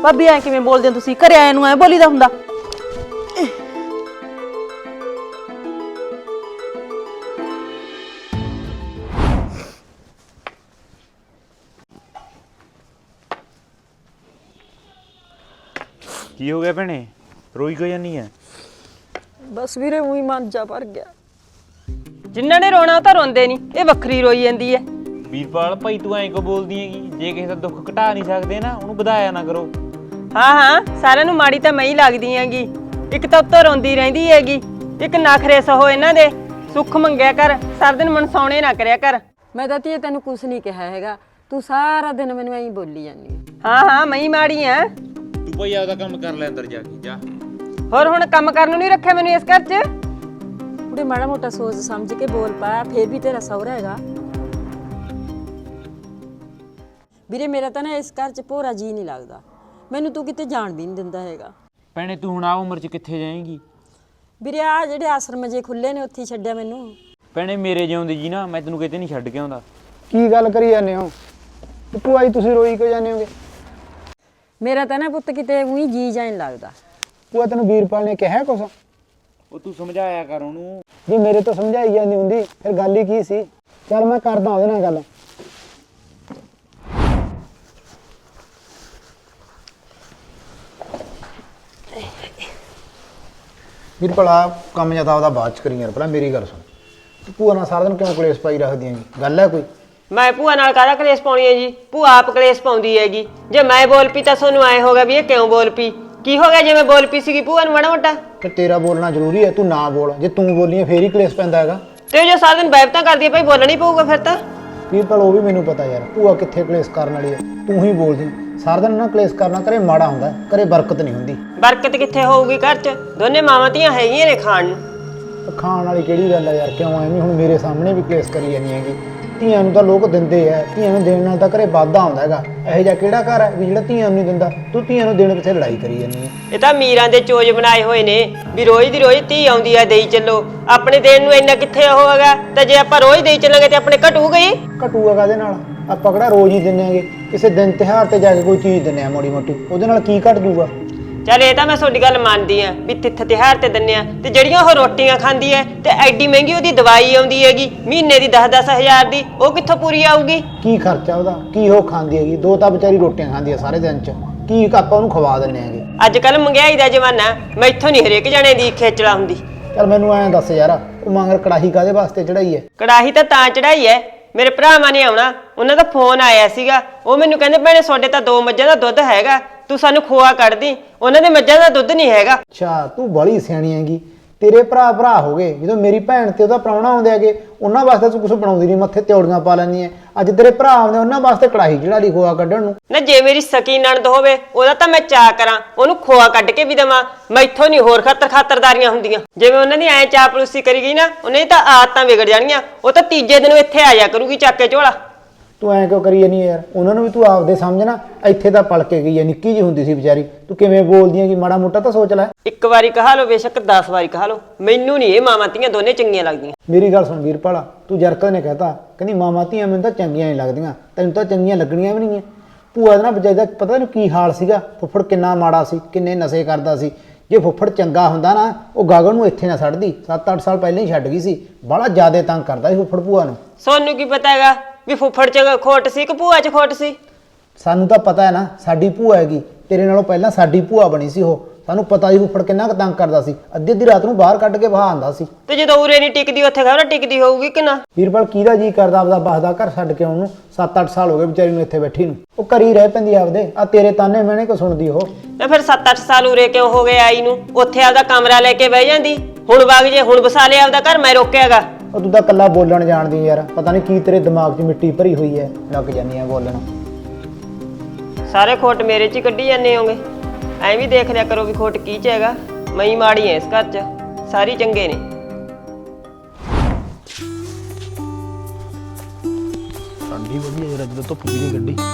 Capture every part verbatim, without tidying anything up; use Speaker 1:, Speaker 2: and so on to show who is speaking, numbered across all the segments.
Speaker 1: भाभी ऐ किवें बोलदे हो तुसीं? घरे आए नूं ऐ बोलीदा हुंदा?
Speaker 2: की हो गया भैने? रोई क्यों जानी है?
Speaker 3: बस वीरे ऊई मन जा भर गया।
Speaker 4: जिन्हां ने रोना तां रोंदे नहीं, ये वक्खरी रोई जांदी है।
Speaker 2: वीरपाल भाई तू ऐं क्यों बोलदी हैगी? जे किसी दा दुख घटा नहीं सकदे ना ਉਹਨੂੰ ਵਧਾਇਆ ਨਾ ਕਰੋ।
Speaker 4: हाँ हाँ सारिਆਂ ਨੂੰ ਮਾੜੀ ਤਾਂ ਮੈਂ ਹੀ ਲੱਗਦੀ ਹੈਗੀ। ਇੱਕ ਤਾਂ ਉੱਤੋਂ ਰੋਂਦੀ ਰਹਿੰਦੀ ਹੈਗੀ, ਇੱਕ ਨਖਰੇ ਸਹੋ ਇਹਨਾਂ ਦੇ। ਸੁੱਖ ਮੰਗਿਆ ਕਰ, ਸਾਰਾ ਦਿਨ ਮਨਸਾਉਣੇ ਨਾ ਕਰਿਆ ਕਰ।
Speaker 3: ਮੈਂ ਤਾਂ ਧੀਏ ਤੈਨੂੰ ਕੁਛ ਨਹੀਂ ਕਿਹਾ ਹੈਗਾ, ਤੂੰ ਸਾਰਾ ਦਿਨ ਮੈਨੂੰ ਐਂ ਬੋਲੀ ਜਾਂਦੀ ਹੈ।
Speaker 4: ਹਾਂ ਹਾਂ ਮੈਂ ਹੀ ਮਾੜੀ ਆ।
Speaker 2: ਤੂੰ ਭਾਈ ਆਪਦਾ ਕੰਮ ਕਰ ਲੈ ਅੰਦਰ ਜਾ ਕੇ ਜਾ।
Speaker 4: ਹੋਰ ਹੁਣ ਕੰਮ ਕਰਨ ਨੂੰ ਨਹੀਂ ਰੱਖਿਆ ਮੈਨੂੰ ਇਸ ਘਰ 'ਚ।
Speaker 3: ਕੁੜੇ ਮਾੜਾ ਮੋਟਾ ਸੋਚ ਸਮਝ ਕੇ ਬੋਲ ਪਾ, ਫੇਰ ਵੀ ਤੇਰਾ ਸਹੁਰਾ ਹੈਗਾ। ਵੀਰੇ ਮੇਰਾ ਤਾਂ ਨਾ ਇਸ ਘਰ 'ਚ ਭੋਰਾ ਜੀ ਨਹੀਂ ਲੱਗਦਾ, ਮੈਨੂੰ ਤੂੰ ਕਿਤੇ ਜਾਣ ਵੀ ਨਹੀਂ ਦਿੰਦਾ ਹੈਗਾ।
Speaker 2: ਭੈਣੇ ਤੂੰ ਹੁਣ ਆ ਉਮਰ 'ਚ ਕਿੱਥੇ ਜਾਏਂਗੀ?
Speaker 3: ਵੀਰੇ ਆ ਜਿਹੜੇ ਆਸ਼ਰਮ ਜੇ ਖੁੱਲੇ ਨੇ ਉੱਥੇ ਛੱਡਿਆ ਮੈਨੂੰ।
Speaker 2: ਭੈਣੇ ਮੇਰੇ ਜਿਉਂਦੀ ਜੀ ਨਾ ਮੈਂ ਤੈਨੂੰ ਕਿਤੇ ਨਹੀਂ ਛੱਡ ਕੇ ਆਉਂਦਾ।
Speaker 5: ਕੀ ਗੱਲ ਕਰੀ ਜਾਂਦੇ ਹੋ? ਭੂਆ ਜੀ ਤੁਸੀਂ ਰੋਈ ਕਿਉਂ ਜਾਂਦੇ ਹੋਗੇ?
Speaker 3: ਮੇਰਾ ਤਾਂ ਨਾ ਪੁੱਤ ਕਿਤੇ ਉਹੀ ਜੀ ਜਾਣ ਲੱਗਦਾ।
Speaker 5: ਭੂਆ ਤੈਨੂੰ ਵੀਰਪਾਲ ਨੇ ਕਿਹਾ ਕੁਛ?
Speaker 2: ਉਹ ਤੂੰ ਸਮਝਾਇਆ ਕਰ ਉਹਨੂੰ।
Speaker 5: ਜੇ ਮੇਰੇ ਤੋਂ ਸਮਝਾਈ ਜਾਂਦੀ ਹੁੰਦੀ ਫਿਰ ਗੱਲ ਹੀ ਕੀ ਸੀ? ਚੱਲ ਮੈਂ ਕਰਦਾ ਉਹਦੇ ਨਾਲ ਗੱਲ। ਵੀਰਪਾਲ ਆ ਕੰਮ ਜਾਂ ਤਾਂ ਉਹਦਾ ਬਾਅਦ ਚ ਕਰੀ ਯਾਰ, ਪਹਿਲਾਂ ਮੇਰੀ ਗੱਲ ਸੁਣ। ਭੂਆ ਨਾਲ ਸਾਰਾ ਦਿਨ ਕਿਉਂ ਕਲੇਸ਼ ਪਾਈ ਰੱਖਦੀ ਹੈਗੀ? ਗੱਲ ਹੈ ਕੋਈ?
Speaker 4: ਮੈਂ ਭੂਆ ਨਾਲ ਕਾਹਦਾ ਕਲੇਸ਼ ਪਾਉਣੀ ਹੈ ਜੀ? ਭੂਆ ਆਪ ਕਲੇਸ਼ ਪਾਉਂਦੀ ਹੈਗੀ। ਜੇ ਮੈਂ ਬੋਲ ਪਈ ਤਾਂ ਤੁਹਾਨੂੰ ਐ ਹੋਗਾ ਵੀ ਇਹ ਕਿਉਂ ਬੋਲ ਪਈ? ਕੀ ਹੋ ਗਿਆ ਜੇ ਮੈਂ ਬੋਲ ਪਈ ਸੀਗੀ ਭੂਆ ਨੂੰ ਮਾੜਾ ਮੋਟਾ?
Speaker 5: ਤੇ ਤੇਰਾ ਬੋਲਣਾ ਜ਼ਰੂਰੀ ਹੈ, ਤੂੰ ਨਾ ਬੋਲ। ਜੇ ਤੂੰ ਬੋਲੀਏ ਫੇਰ ਹੀ ਕਲੇਸ਼ ਪੈਂਦਾ ਹੈਗਾ।
Speaker 4: ਤੇ ਜੋ ਸਾਰਾ ਦਿਨ ਬੈਬਤਾਂ ਕਰਦੀ ਹੈ ਭਾਈ ਬੋਲਣਾ ਹੀ ਪਊਗਾ ਫਿਰ ਤਾਂ।
Speaker 5: ਵੀਰਪਾਲ ਉਹ ਵੀ ਮੈਨੂੰ ਪਤਾ ਯਾਰ, ਭੂਆ ਕਿੱਥੇ ਕਲੇਸ਼ ਕਰਨ ਵਾਲੀ ਹੈ, ਤੂੰ ਹੀ ਬੋਲਦੀ। ਸਾਰਾ ਦਿਨ ਨਾ ਕਲੇਸ਼ ਕਰਨਾ ਘਰੇ ਮਾੜਾ ਹੁੰਦਾ, ਘਰੇ ਬਰਕਤ ਨਹੀਂ ਹੁੰਦੀ।
Speaker 4: ਬਰਕਤ ਕਿੱਥੇ ਹੋਊਗੀ ਘਰ 'ਚ? ਦੋਨੇ ਮਾਵਾਂ ਧੀਆਂ ਹੈਗੀਆਂ ਨੇ ਖਾਣ ਨੂੰ।
Speaker 5: ਖਾਣ ਵਾਲੀ ਕਿਹੜੀ ਗੱਲ ਹੈ ਯਾਰ? ਕਿਉਂ ਐਵੇਂ ਹੁਣ ਮੇਰੇ ਸਾਹਮਣੇ ਵੀ ਕਲੇਸ਼ ਕਰੀ ਜਾਂਦੀ ਹੈਗੀ? ਧੀਆਂ ਨੂੰ ਤਾਂ ਲੋਕ ਦਿੰਦੇ ਆ, ਧੀਆਂ ਨੂੰ ਦੇਣ ਨਾਲ ਤਾਂ ਘਰੇ ਵਾਧਾ ਆਉਂਦਾ ਹੈਗਾ। ਇਹੋ ਜਿਹਾ ਕਿਹੜਾ ਘਰ ਹੈ ਵੀ ਜਿਹੜਾ ਧੀਆਂ ਨੂੰ ਨਹੀਂ ਦਿੰਦਾ? ਤੂੰ ਧੀਆਂ ਨੂੰ ਦੇਣ ਪਿੱਛੇ ਲੜਾਈ ਕਰੀ ਜਾਂਦੀ ਹੈ।
Speaker 4: ਇਹ ਤਾਂ ਮੀਰਾਂ ਦੇ ਚੋਜ ਬਣਾਏ ਹੋਏ ਨੇ ਵੀ ਰੋਜ਼ ਦੀ ਰੋਜ਼ ਧੀ ਆਉਂਦੀ ਆ ਦੇਈ ਚੱਲੋ। ਆਪਣੇ ਦੇਣ ਨੂੰ ਇੰਨਾ ਕਿੱਥੇ ਉਹ ਹੈਗਾ? ਤੇ ਜੇ ਆਪਾਂ ਰੋਜ਼ ਦੇਈ ਚੱਲਾਂਗੇ ਤੇ ਆਪਣੇ ਘਟੂ ਗਈ।
Speaker 5: ਘਟੂਗਾ ਕਾਹਦੇ ਨਾਲ? ਆਪਾਂ ਕਿਹੜਾ ਰੋਜ਼ ਹੀ ਦਿੰਦੇ ਆਂਗੇ? ਕਿਸੇ ਦਿਨ ਤਿਉਹਾਰ ਤੇ ਜਾ ਕੇ ਕੋਈ ਚੀਜ਼ ਦਿੰਦੇ ਆ ਮੋੜੀ ਮੋਟੀ, ਉਹਦੇ ਨਾਲ ਕੀ ਘਟ ਜੂਗਾ?
Speaker 4: ਚੱਲ ਇਹ ਤਾਂ ਮੈਂ ਤੁਹਾਡੀ ਗੱਲ ਮੰਨਦੀ ਆ ਵੀ ਤਿੱਥ ਤਿਉਹਾਰ ਤੇ ਦਿੰਨੇ ਆ, ਤੇ ਜਿਹੜੀਆਂ ਉਹ ਰੋਟੀਆਂ ਖਾਂਦੀ ਐ ਤੇ ਐਡੀ ਮਹਿੰਗੀ ਉਹਦੀ ਦਵਾਈ ਆਉਂਦੀ ਹੈਗੀ ਮਹੀਨੇ ਦੀ ਦਸ ਦਸ ਹਜ਼ਾਰ ਦੀ, ਉਹ ਕਿੱਥੋਂ ਪੂਰੀ ਆਊਗੀ?
Speaker 5: ਕੀ ਖਰਚਾ ਉਹਦਾ? ਕੀ ਉਹ ਖਾਂਦੀ ਹੈਗੀ? ਦੋ ਤਾਂ ਵਿਚਾਰੀ ਰੋਟੀਆਂ ਖਾਂਦੀ ਆ ਸਾਰੇ ਦਿਨ ਚ, ਕੀ ਆਪਾਂ ਉਹਨੂੰ ਖਵਾ ਦਿੰਦੇ ਆਂਗੇ?
Speaker 4: ਅੱਜ ਕੱਲ ਮਹਿੰਗਾਈ ਦਾ ਜ਼ਮਾਨਾ, ਮੈਥੋਂ ਨਹੀਂ ਹਰੇਕ ਜਣੇ ਦੀ ਖੇਚਲਾ ਹੁੰਦੀ।
Speaker 5: ਚੱਲ ਮੈਨੂੰ ਐਂ ਦੱਸ ਯਾਰ, ਉਹ ਮੰਗਰ ਕੜਾਹੀ ਕਾਹਦੇ ਵਾਸਤੇ ਚੜਾਈ ਹੈ?
Speaker 4: ਕੜਾਹੀ ਤਾਂ ਤਾਂ ਚੜਾਈ ਐ, ਮੇਰੇ ਭਰਾਵਾਂ ਨੇ ਆਉਣਾ, ਉਹਨਾਂ ਦਾ ਫੋਨ ਆਇਆ ਸੀਗਾ। ਉਹ ਮੈਨੂੰ ਕਹਿੰਦੇ ਭੈਣੇ ਤੁਹਾਡੇ ਤਾਂ ਦੋ ਮੱਝਾਂ ਦਾ ਦੁੱਧ ਹੈਗਾ, ਤੂੰ ਸਾਨੂੰ ਖੋਆ ਕੱਢ ਦੀ। ਉਹਨਾਂ ਦੇ ਮੱਝਾਂ ਦਾ ਦੁੱਧ ਨਹੀਂ ਹੈਗਾ।
Speaker 5: ਅੱਛਾ ਤੂੰ ਬੜੀ ਸਿਆਣੀ ਹੈਗੀ। ਤੇਰੇ ਭਰਾ ਭਰਾ ਹੋ ਗਏ, ਜਦੋਂ ਮੇਰੀ ਭੈਣ ਤੇ ਉਹਦਾ ਪ੍ਰਾਹੁਣਾ ਆਉਂਦੇ ਹੈਗੇ ਉਹਨਾਂ ਵਾਸਤੇ ਤੂੰ ਕੁਛ ਬਣਾਉਂਦੀ ਨਹੀਂ, ਮੱਥੇ ਤਿਉੜੀਆਂ ਪਾ ਲੈਂਦੀ ਹੈ। ਅੱਜ ਤੇਰੇ ਭਰਾ ਆਉਂਦੇ ਉਹਨਾਂ ਵਾਸਤੇ ਕੜਾਹੀ ਚੜਾ ਲਈ ਖੋਆ ਕੱਢਣ ਨੂੰ।
Speaker 4: ਨਾ ਜੇ ਮੇਰੀ ਸਕੀ ਨਣਦ ਹੋਵੇ ਉਹਦਾ ਤਾਂ ਮੈਂ ਚਾਅ ਕਰਾਂ, ਉਹਨੂੰ ਖੋਆ ਕੱਢ ਕੇ ਵੀ ਦੇਵਾਂ। ਮੈਥੋਂ ਨਹੀਂ ਹੋਰ ਖਾਤਰ ਖਾਤਰਦਾਰੀਆਂ ਹੁੰਦੀਆਂ। ਜਿਵੇਂ ਉਹਨਾਂ ਦੀ ਐਂ ਚਾਪਲੂਸੀ ਕਰੀ ਗਈ ਨਾ, ਉਹਨਾਂ ਦੀ ਤਾਂ ਆਦਤਾਂ ਵਿਗੜ ਜਾਣੀਆਂ। ਉਹ ਤਾਂ ਤੀਜੇ ਦਿਨ ਇੱਥੇ ਆ ਜਾ ਕਰੂਗੀ ਚੱਕ ਕੇ ਝੋਲਾ।
Speaker 5: ਤੂੰ ਐਂ ਕਿਉਂ ਕਰੀ ਜਾਨੀ ਯਾਰ? ਉਹਨਾਂ ਨੂੰ ਵੀ ਤੂੰ ਆਪਦੇ ਸਮਝਣਾ। ਇੱਥੇ ਤਾਂ ਪਲ ਕੇ ਗਈ ਹੈ, ਨਿੱਕੀ ਜਿਹੀ ਹੁੰਦੀ ਸੀ ਵਿਚਾਰੀ। ਤੂੰ ਕਿਵੇਂ ਬੋਲਦੀ ਹੈ? ਕਿ ਮਾੜਾ ਮੋਟਾ ਤਾਂ ਸੋਚ ਲੈ।
Speaker 4: ਇੱਕ ਵਾਰੀ ਕਹਾ ਲਓ ਬੇਸ਼ੱਕ ਦਸ ਵਾਰੀ ਕਹਾ ਲਓ, ਮੈਨੂੰ ਨਹੀਂ ਇਹ ਮਾਵਾਂ ਧੀਆਂ ਦੋਨੇ ਚੰਗੀਆਂ ਲੱਗਦੀਆਂ।
Speaker 5: ਮੇਰੀ ਗੱਲ ਸੁਣ ਵੀਰਪਾਲਾ, ਤੂੰ ਜਰਕਤ ਨੇ ਕਹਿਤਾ ਕਹਿੰਦੀ ਮਾਵਾਂ ਧੀਆਂ ਮੈਨੂੰ ਤਾਂ ਚੰਗੀਆਂ ਨਹੀਂ ਲੱਗਦੀਆਂ, ਤੈਨੂੰ ਤਾਂ ਚੰਗੀਆਂ ਲੱਗਣੀਆਂ ਵੀ ਨਹੀਂ। ਭੂਆ ਦਾ ਨਾ ਵਿਚਾਰੀ ਦਾ ਪਤਾ ਨਹੀਂ ਕੀ ਹਾਲ ਸੀਗਾ। ਫੁੱਫੜ ਕਿੰਨਾ ਮਾੜਾ ਸੀ, ਕਿੰਨੇ ਨਸ਼ੇ ਕਰਦਾ ਸੀ। ਜੇ ਫੁੱਫੜ ਚੰਗਾ ਹੁੰਦਾ ਨਾ, ਉਹ ਗਾਗਨ ਨੂੰ ਇੱਥੇ ਨਾ ਛੱਡਦੀ। ਸੱਤ ਅੱਠ ਸਾਲ ਪਹਿਲਾਂ ਹੀ ਛੱਡ ਗਈ ਸੀ। ਬੜਾ ਜ਼ਿਆਦਾ ਤੰਗ ਕਰਦਾ ਸੀ ਫੁੱਫੜ ਭੂਆ ਨੂੰ।
Speaker 4: ਸੋਨੂੰ ਕੀ ਪਤਾ ਹੈਗਾ ਵੀ ਫੁੱਫੜ ਚ ਖੋਟ ਸੀ ਕਿ ਭੂਆ ਚ ਖੋਟ ਸੀ?
Speaker 5: ਸਾਨੂੰ ਤਾਂ ਪਤਾ ਹੈ ਨਾ, ਸਾਡੀ ਭੂਆ ਹੈਗੀ। ਤੇਰੇ ਨਾਲੋਂ ਪਹਿਲਾਂ ਸਾਡੀ ਭੂਆ ਬਣੀ ਸੀ ਉਹ। ਸਾਨੂੰ ਪਤਾ ਸੀ ਫੁੱਫੜ ਕਿੰਨਾ ਕੁ ਤੰਗ ਕਰਦਾ ਸੀ। ਅੱਧੀ ਅੱਧੀ ਰਾਤ ਨੂੰ ਬਾਹਰ ਕੱਢ ਕੇ ਬਹਾ ਆਂਦਾ ਸੀ।
Speaker 4: ਤੇ ਜਦੋਂ ਉਰੇ ਨਹੀਂ ਟਿਕਦੀ ਉੱਥੇ ਖਬਰ ਟਿਕਦੀ ਹੋਊਗੀ ਕਿ ਨਾ?
Speaker 5: ਵੀਰਪਾਲ ਕਿਹਦਾ ਜੀ ਕਰਦਾ ਆਪਦਾ ਬਸਦਾ ਘਰ ਛੱਡ ਕੇ ਆਉਣ ਨੂੰ? ਸੱਤ ਅੱਠ ਸਾਲ ਹੋ ਗਏ ਵਿਚਾਰੀ ਨੂੰ ਇੱਥੇ ਬੈਠੀ ਨੂੰ। ਉਹ ਘਰੀ ਰਹਿ ਪੈਂਦੀ ਆਪਦੇ। ਆ ਤੇਰੇ ਤਾਨੇ ਮੈਨੇ ਕਿਉਂ ਸੁਣਦੀ ਉਹ?
Speaker 4: ਤੇ ਫਿਰ ਸੱਤ ਅੱਠ ਸਾਲ ਉਰੇ ਕਿਉਂ ਹੋ ਗਏ ਆਈ ਨੂੰ? ਉੱਥੇ ਆਪਦਾ ਕਮਰਾ ਲੈ ਕੇ ਬਹਿ ਜਾਂਦੀ। ਹੁਣ ਵਗ ਜੇ, ਹੁਣ ਵਸਾ ਲਿਆ ਆਪਦਾ ਘਰ, ਮੈਂ ਰੋਕਿਆਗਾ?
Speaker 5: ਉਹ ਤੂੰ ਤਾਂ ਕੱਲਾ ਬੋਲਣ ਜਾਣਦੀ ਯਾਰ। ਪਤਾ ਨਹੀਂ ਕੀ ਤੇਰੇ ਦਿਮਾਗ 'ਚ ਮਿੱਟੀ ਭਰੀ ਹੋਈ ਹੈ, ਲੱਗ ਜਾਂਦੀ ਆ ਬੋਲਣ।
Speaker 4: ਸਾਰੇ ਖੋਟ ਮੇਰੇ 'ਚ ਹੀ ਕੱਢੀ ਜਾਂਦੇ ਹੋਗੇ। ਐਂ ਵੀ ਦੇਖ ਲਿਆ ਕਰੋ ਵੀ ਖੋਟ ਕੀ 'ਚ ਹੈਗਾ। ਮੈਂ ਹੀ ਮਾੜੀ ਐ ਇਸ ਘਰ 'ਚ, ਸਾਰੀ ਚੰਗੇ ਨੇ।
Speaker 5: ਠੰਡੀ ਵਧੀਆ ਯਾਰ, ਅੱਜ ਤਾਂ ਧੁੱਪ ਵੀ ਨਹੀਂ ਕੱਢੀ।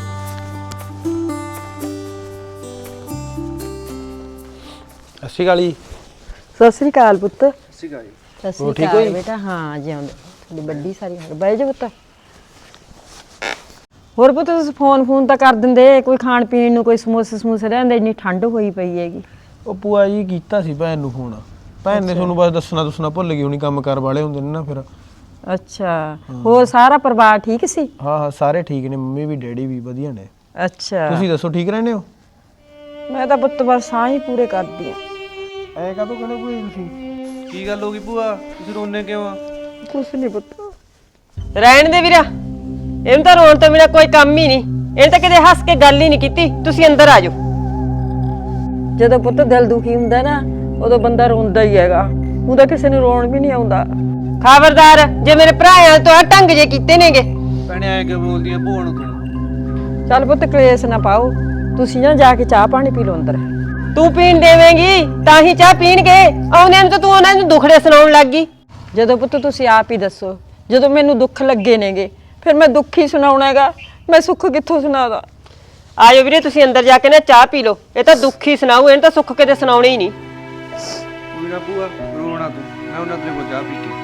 Speaker 5: ਅੱਛੀ ਗਾਲੀ।
Speaker 3: ਸਤਿ ਸ੍ਰੀ ਅਕਾਲ ਪੁੱਤ।
Speaker 5: ਅੱਛੀ ਗਾਲੀ।
Speaker 3: ਸਤਿ ਸ੍ਰੀ ਅਕਾਲ ਬੇਟਾ। ਹਾਂ ਜਿਉਂਦੇ। ਤੁਹਾਡੀ ਵੱਡੀ ਸਾਰੀ ਬਹਿ ਜਾ ਪੁੱਤ। ਹੋਰ ਪੁੱਤ ਤੁਸੀਂ ਫੋਨ ਫੋਨ ਤਾਂ ਕਰ ਦਿੰਦੇ, ਕੋਈ ਖਾਣ ਪੀਣ ਨੂੰ, ਕੋਈ ਸਮੋਸੇ ਸਮੂਸੇ ਰਹਿੰਦੇ, ਇੰਨੀ ਠੰਡ ਹੋਈ ਪਈ ਹੈਗੀ।
Speaker 6: ਉਹ ਭੂਆ ਜੀ ਕੀਤਾ ਸੀ ਭੈਣ ਨੂੰ ਫੋਨ, ਭੈਣ ਨੇ ਤੁਹਾਨੂੰ ਬਸ ਦੱਸਣਾ ਦੱਸਣਾ ਭੁੱਲ ਗਈ ਹੋਣੀ, ਕੰਮ ਕਾਰ ਵਾਲੇ ਹੁੰਦੇ ਨੇ ਨਾ ਫਿਰ।
Speaker 3: ਅੱਛਾ, ਹੋਰ ਸਾਰਾ ਪਰਿਵਾਰ ਠੀਕ ਸੀ?
Speaker 6: ਹਾਂ ਹਾਂ ਸਾਰੇ ਠੀਕ ਨੇ, ਮੰਮੀ ਵੀ ਡੈਡੀ ਵੀ ਵਧੀਆ ਨੇ।
Speaker 3: ਅੱਛਾ,
Speaker 6: ਤੁਸੀਂ ਦੱਸੋ ਠੀਕ ਰਹਿੰਦੇ ਹੋ?
Speaker 3: ਮੈਂ ਤਾਂ ਪੁੱਤ ਬਸ ਸਾਹ ਹੀ ਪੂਰੇ ਕਰਦੀ ਆ।
Speaker 6: ਐ ਕਾਹਤੋਂ ਕਹਿੰਦੇ ਭੂਆ ਜੀ ਤੁਸੀਂ?
Speaker 7: ਕੀ ਗੱਲ ਹੋ ਗਈ ਭੂਆ, ਤੁਸੀਂ ਰੋਣੇ ਕਿਉਂ ਆ?
Speaker 3: ਕੁਛ ਨਹੀਂ ਪੁੱਤ।
Speaker 4: ਰਹਿਣ ਦੇ ਵੀਰਾ, ਇਹਨੂੰ ਤਾਂ ਰੋਣ ਤੋਂ ਬਿਨਾ ਕੋਈ ਕੰਮ ਹੀ ਨਹੀਂ। ਇਹਨੇ ਤਾਂ ਕਦੇ ਹੱਸ ਕੇ ਗੱਲ ਹੀ ਨਹੀਂ ਕੀਤੀ। ਤੁਸੀਂ ਅੰਦਰ ਆ ਜਾਓ।
Speaker 3: ਜਦੋਂ ਪੁੱਤ ਦਿਲ ਦੁਖੀ ਹੁੰਦਾ ਨਾ, ਉਦੋਂ ਬੰਦਾ ਰੋਂਦਾ ਹੀ ਹੈਗਾ, ਉਹਦਾ ਕਿਸੇ ਨੂੰ ਰੋਣ ਵੀ ਨਹੀਂ ਆਉਂਦਾ।
Speaker 4: ਖਬਰਦਾਰ, ਜੇ ਮੇਰੇ ਭਰਾਆਂ ਤੋਂ ਆ ਢੰਗ ਜੇ ਕੀਤੇ ਨੇਗੇ।
Speaker 7: ਭੈਣੇ ਐ ਕਿ ਬੋਲਦੀ ਆ ਭੂਆ ਨੂੰ ਕਿਉਂ?
Speaker 3: ਚੱਲ ਪੁੱਤ ਕਲੇਸ਼ ਨਾ ਪਾਓ, ਤੁਸੀਂ ਨਾ ਜਾ ਕੇ ਚਾਹ ਪਾਣੀ ਪੀ ਲਓ ਅੰਦਰ।
Speaker 4: ਤੂੰ ਪੀਣ ਦੇਵੇਂਗੀ ਤਾਂ ਹੀ ਚਾਹ ਪੀਣਗੇ। ਆਉਂਦਿਆਂ ਨੂੰ ਤਾਂ ਤੂੰ ਉਹਨਾਂ ਨੂੰ ਦੁਖੜੇ ਸੁਣਾਉਣ ਲੱਗ ਗਈ।
Speaker 3: ਜਦੋਂ ਪੁੱਤ ਤੁਸੀਂ ਆਪ ਹੀ ਦੱਸੋ, ਜਦੋਂ ਮੈਨੂੰ ਦੁੱਖ ਲੱਗੇ ਨੇਗੇ ਫਿਰ ਮੈਂ ਦੁੱਖ ਹੀ ਸੁਣਾਉਣਾ ਹੈਗਾ, ਮੈਂ ਸੁੱਖ ਕਿੱਥੋਂ ਸੁਣਾਦਾ।
Speaker 4: ਆਜੋ ਵੀਰੇ, ਤੁਸੀਂ ਅੰਦਰ ਜਾ ਕੇ ਨਾ ਚਾਹ ਪੀ ਲਓ। ਇਹ ਤਾਂ ਦੁੱਖ ਹੀ ਸੁਣਾਊ, ਇਹਨੂੰ ਤਾਂ ਸੁੱਖ ਕਿਤੇ ਸੁਣਾਉਣੇ ਹੀ ਨਹੀਂ।
Speaker 7: ਕੋਈ ਨਾ ਭੂਆ, ਰੋਣਾ ਤੂੰ, ਮੈਂ ਉਹਨਾਂ ਤੇਰੇ ਕੋਲ ਚਾਹ ਪੀ ਕੇ।